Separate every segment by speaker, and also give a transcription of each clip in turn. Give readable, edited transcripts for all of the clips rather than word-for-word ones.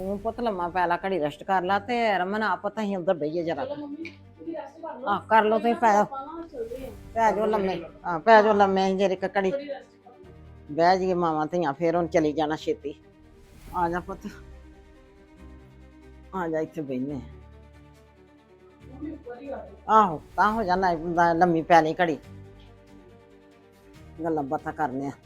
Speaker 1: ਤੂੰ ਪੁੱਤ ਲੰਮਾ ਪੈ ਲਾ, ਘੜੀ ਰੈਸਟ ਕਰ ਲਾ ਤੇ ਰਮਨ ਆ ਪੁੱਤ ਅਸੀਂ ਉਧਰ ਬਈਏ ਜਰਾ।
Speaker 2: ਚਲੋ ਮੰਮੀ ਤੁਸੀਂ ਰੈਸਟ ਕਰ ਲਓ।
Speaker 1: ਆ ਕਰ ਲੋ ਤੁਸੀਂ, ਪੈ ਜਾਓ
Speaker 2: ਆਪਾਂ ਨਾ ਚੱਲਦੇ ਆਂ।
Speaker 1: ਪੈ ਜਾਓ ਲੰਮੇ। ਆ ਪੈ ਜਾਓ ਲੰਮੇ, ਅਸੀਂ ਜਰੀ ਘੜੀ
Speaker 2: ਥੋੜੀ ਰੈਸਟ ਕਰ ਲਓ।
Speaker 1: ਬਹਿ ਜਾਈਏ ਮਾਵਾਂ ਧੀਆਂ, ਫੇਰ ਹੁਣ ਚਲੀ ਜਾਣਾ ਛੇਤੀ। ਆ ਜਾ ਪੁੱਤ, ਆ ਜਾ ਇੱਥੇ ਬਹਿਨੇ।
Speaker 2: ਮੰਮੀ ਉੱਪਰ ਹੀ ਆ ਜਾਓ।
Speaker 1: ਆਹੋ ਤਾਂ ਹੋ ਜਾਣਾ ਲੰਮੀ ਪੈ ਲਈ ਘੜੀ, ਗੱਲਾਂ ਬਾਤਾਂ ਕਰਨੇ ਆ।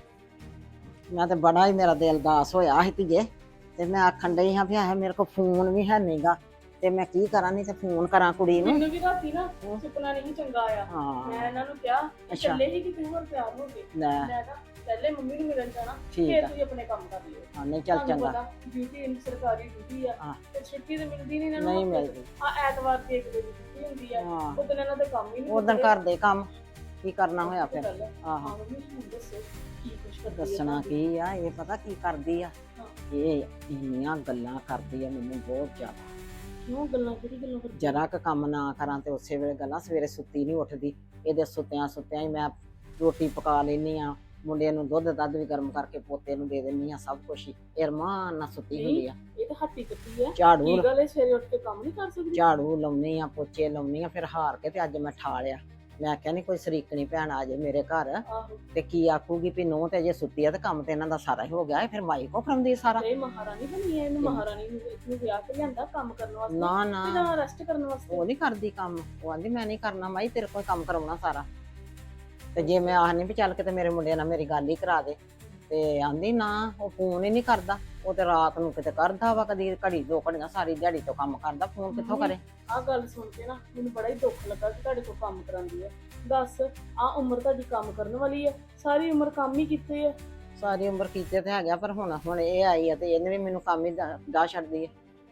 Speaker 1: ਮੈਂ ਤੇ ਬੜਾ ਹੀ ਮੇਰਾ ਦਿਲ ਦਾਸ ਹੋਇਆ ਸੀ ਧੀਏ, ਤੇ ਮੈਂ ਆਖਣ ਡਈ ਹਾਂ ਵੀ ਆਹ ਮੇਰੇ ਕੋਲ ਫੋਨ ਵੀ ਹੈ ਨਹੀਂਗਾ, ਤੇ ਮੈਂ ਕੀ ਕਰਾਂ, ਨਹੀਂ ਤੇ ਫੋਨ ਕਰਾਂ ਕੁੜੀ ਨੂੰ।
Speaker 2: ਮੈਨੂੰ ਵੀ ਰਾਤੀ ਨਾ ਸੁਪਨਾ ਨਹੀਂ ਚੰਗਾ ਆਇਆ।
Speaker 1: ਹਾਂ
Speaker 2: ਮੈਂ ਇਹਨਾਂ ਨੂੰ ਕਿਹਾ
Speaker 1: ਅੱਛਾ।
Speaker 2: ਚੱਲੇ ਹੀ ਕਿਤੇ ਹੋਰ ਤਿਆਰ ਹੋ ਕੇ।
Speaker 1: ਲੈ
Speaker 2: ਮੈਂ ਨਾ ਪਹਿਲੇ ਮੰਮੀ ਨੂੰ ਮਿਲਣ ਜਾਣਾ,
Speaker 1: ਠੀਕ
Speaker 2: ਫਿਰ
Speaker 1: ਆ।
Speaker 2: ਤੁਸੀਂ ਆਪਣੇ ਕੰਮ ਕਰ ਲਿਓ।
Speaker 1: ਹਾਂ ਨਹੀਂ ਚੱਲ
Speaker 2: ਤੁਹਾਨੂੰ
Speaker 1: ਚੰਗਾ।
Speaker 2: ਪਤਾ ਡਿਊਟੀ ਇਨ ਸਰਕਾਰੀ ਡਿਊਟੀ ਆ,
Speaker 1: ਹਾਂ।
Speaker 2: ਤੇ ਛੁੱਟੀ ਤੇ ਮਿਲਦੀ ਨਹੀਂ ਇਹਨਾਂ ਨੂੰ।
Speaker 1: ਨਹੀਂ ਮਿਲਦੀ।
Speaker 2: ਆ ਐਤਵਾਰ ਦੀ ਇੱਕ ਦਿਨ ਛੁੱਟੀ ਹੁੰਦੀ ਆ,
Speaker 1: ਹਾਂ
Speaker 2: ਉਦੋਂ ਇਹਨਾਂ ਦੇ ਕੰਮ ਹੀ ਨਹੀਂ
Speaker 1: ਉਦੋਂ ਘਰ ਦੇ ਕੰਮ ਕੀ ਕਰਨਾ ਹੋਇਆ ਫਿਰ।
Speaker 2: ਹਾਂ
Speaker 1: ਆਹੋ
Speaker 2: ਮੰਮੀ ਹੁਣ ਦੱਸੋ ਕੀ ਕੁਛ ਕਰਦੀ ਆ
Speaker 1: ਦੱਸਣਾ
Speaker 2: ਤੁਹਾਡੀ?
Speaker 1: ਕੀ ਆ, ਇਹ ਪਤਾ ਕੀ ਕਰਦੀ ਆ,
Speaker 2: ਹਾਂ।
Speaker 1: ਇਹ ਇੰਨੀਆਂ ਗੱਲਾਂ ਕਰਦੀ ਆ ਮੈਨੂੰ ਬਹੁਤ ਜ਼ਿਆਦਾ।
Speaker 2: ਕਿਉਂ ਗੱਲਾਂ, ਕਿਹੜੀ ਗੱਲਾਂ ਕਰਦੀ?
Speaker 1: ਜਰਾ ਕੁ ਕੰਮ ਨਾ ਕਰਾਂ ਤੇ ਉਸੇ ਵੇਲੇ ਗੱਲਾਂ। ਸਵੇਰੇ ਸੁੱਤੀ ਨਹੀਂ ਉੱਠਦੀ, ਇਹਦੇ ਸੁੱਤਿਆਂ ਸੁੱਤਿਆਂ ਹੀ ਮੈਂ ਰੋਟੀ ਪਕਾ ਲੈਂਦੀ ਆ, ਮੁੰਡੇ ਨੂੰ ਦੁੱਧ ਦੱਧ ਵੀ ਗਰਮ ਕਰਕੇ ਪੋਤੇ ਨੂੰ ਦੇ ਦਿੰਦੀ ਆ, ਸਭ ਕੁਛ ਹੀ ਇਹ ਰਮਾਨ ਨਾਲ ਸੁੱਤੀ ਹੁੰਦੀ ਆ।
Speaker 2: ਇਹ ਤਾਂ ਹੱਟੀ ਕੱਟੀ ਆ।
Speaker 1: ਝਾੜੂ
Speaker 2: ਕੀ ਗੱਲ ਹੈ, ਸਵੇਰੇ ਉੱਠ ਕੇ ਕੰਮ ਨਹੀਂ ਕਰ ਸਕਦੀ?
Speaker 1: ਝਾੜੂ ਲਾਉਣੀ ਆ, ਪੋਚੇ ਲਾਉਣੀ ਆ, ਫਿਰ ਹਾਰ ਕੇ ਤੇ ਅੱਜ ਮੈਂ ਠਾ ਲਿਆ। ਮੈਂ ਕਿਹਾ ਨਹੀਂ ਕੋਈ ਸਰੀਕਣੀ ਭੈਣ ਆ ਜੇ ਮੇਰੇ ਘਰ
Speaker 2: ਆਹੋ
Speaker 1: ਤੇ ਕੀ ਆਖੂਗੀ ਵੀ ਨੂੰਹ ਤੇ ਜੇ ਸੁੱਤੀ ਆ ਤੇ ਕੰਮ ਤੇ ਇਹਨਾਂ ਦਾ ਸਾਰਾ ਹੀ ਹੋ ਗਿਆ, ਫਿਰ ਮਾਈ ਕੋ ਫਰਮਦੀ ਸਾਰਾ।
Speaker 2: ਇਹ ਮਹਾਰਾਣੀ ਬਣੀ ਹੈ, ਇਹਨੂੰ ਮਹਾਰਾਣੀ ਨੂੰ ਇਸਨੂੰ ਵਿਆਹ ਕੇ ਲਿਆਂਦਾ ਕੰਮ ਕਰਨ ਵਾਸਤੇ
Speaker 1: ਨਾ ਨਾ
Speaker 2: ਤੇ ਜਾਂ ਰੈਸਟ ਕਰਨ ਵਾਸਤੇ?
Speaker 1: ਉਹ ਨਹੀਂ ਕਰਦੀ ਕੰਮ, ਉਹ ਆਂਦੀ ਮੈਂ ਨਹੀਂ ਕਰਨਾ ਮਾਈ, ਤੇਰੇ ਕੋਲ ਕੰਮ ਕਰਾਉਣਾ ਸਾਰਾ। ਤੇ ਜੇ ਮੈਂ ਆਖਨੀ ਵੀ ਚੱਲ ਕਿਤੇ ਮੇਰੇ ਮੁੰਡੇ ਨਾਲ ਮੇਰੀ ਗੱਲ ਹੀ ਕਰਾ ਦੇ, ਤੇ ਆਂਦੀ ਨਾ ਉਹ ਫੋਨ ਹੀ ਨਹੀਂ ਕਰਦਾ। ਉਹ ਤੇ ਰਾਤ ਨੂੰ ਕਿਤੇ ਕਰਦਾ ਵਾ, ਕਦੀ ਘੜੀ ਦੋ ਘੜੀਆਂ, ਸਾਰੀ ਦਿਹਾੜੀ ਤੋਂ ਕੰਮ ਕਰਦਾ, ਫੋਨ ਕਿੱਥੋਂ ਕਰੇ।
Speaker 2: ਆਹ ਗੱਲ ਸੁਣ ਕੇ ਨਾ ਮੈਨੂੰ ਬੜਾ ਹੀ ਦੁੱਖ ਲੱਗਾ ਕਿ ਤੁਹਾਡੇ ਕੋਲ ਕੰਮ ਕਰਾਂਦੀ ਹੈ। ਦੱਸ ਆਹ ਉਮਰ ਤੁਹਾਡੀ ਕੰਮ ਕਰਨ ਵਾਲੀ ਹੈ, ਸਾਰੀ ਉਮਰ ਕੰਮ ਹੀ ਕੀਤੇ ਆ।
Speaker 1: ਸਾਰੀ ਉਮਰ ਕੀਤੇ ਤੇ ਹੈਗਾ, ਪਰ ਹੁਣ ਇਹ ਆਈ ਆ ਤੇ ਇਹਨੇ ਵੀ ਮੈਨੂੰ ਕੰਮ ਹੀ ਡਾ ਛੱਡਦੀ ਹੈ।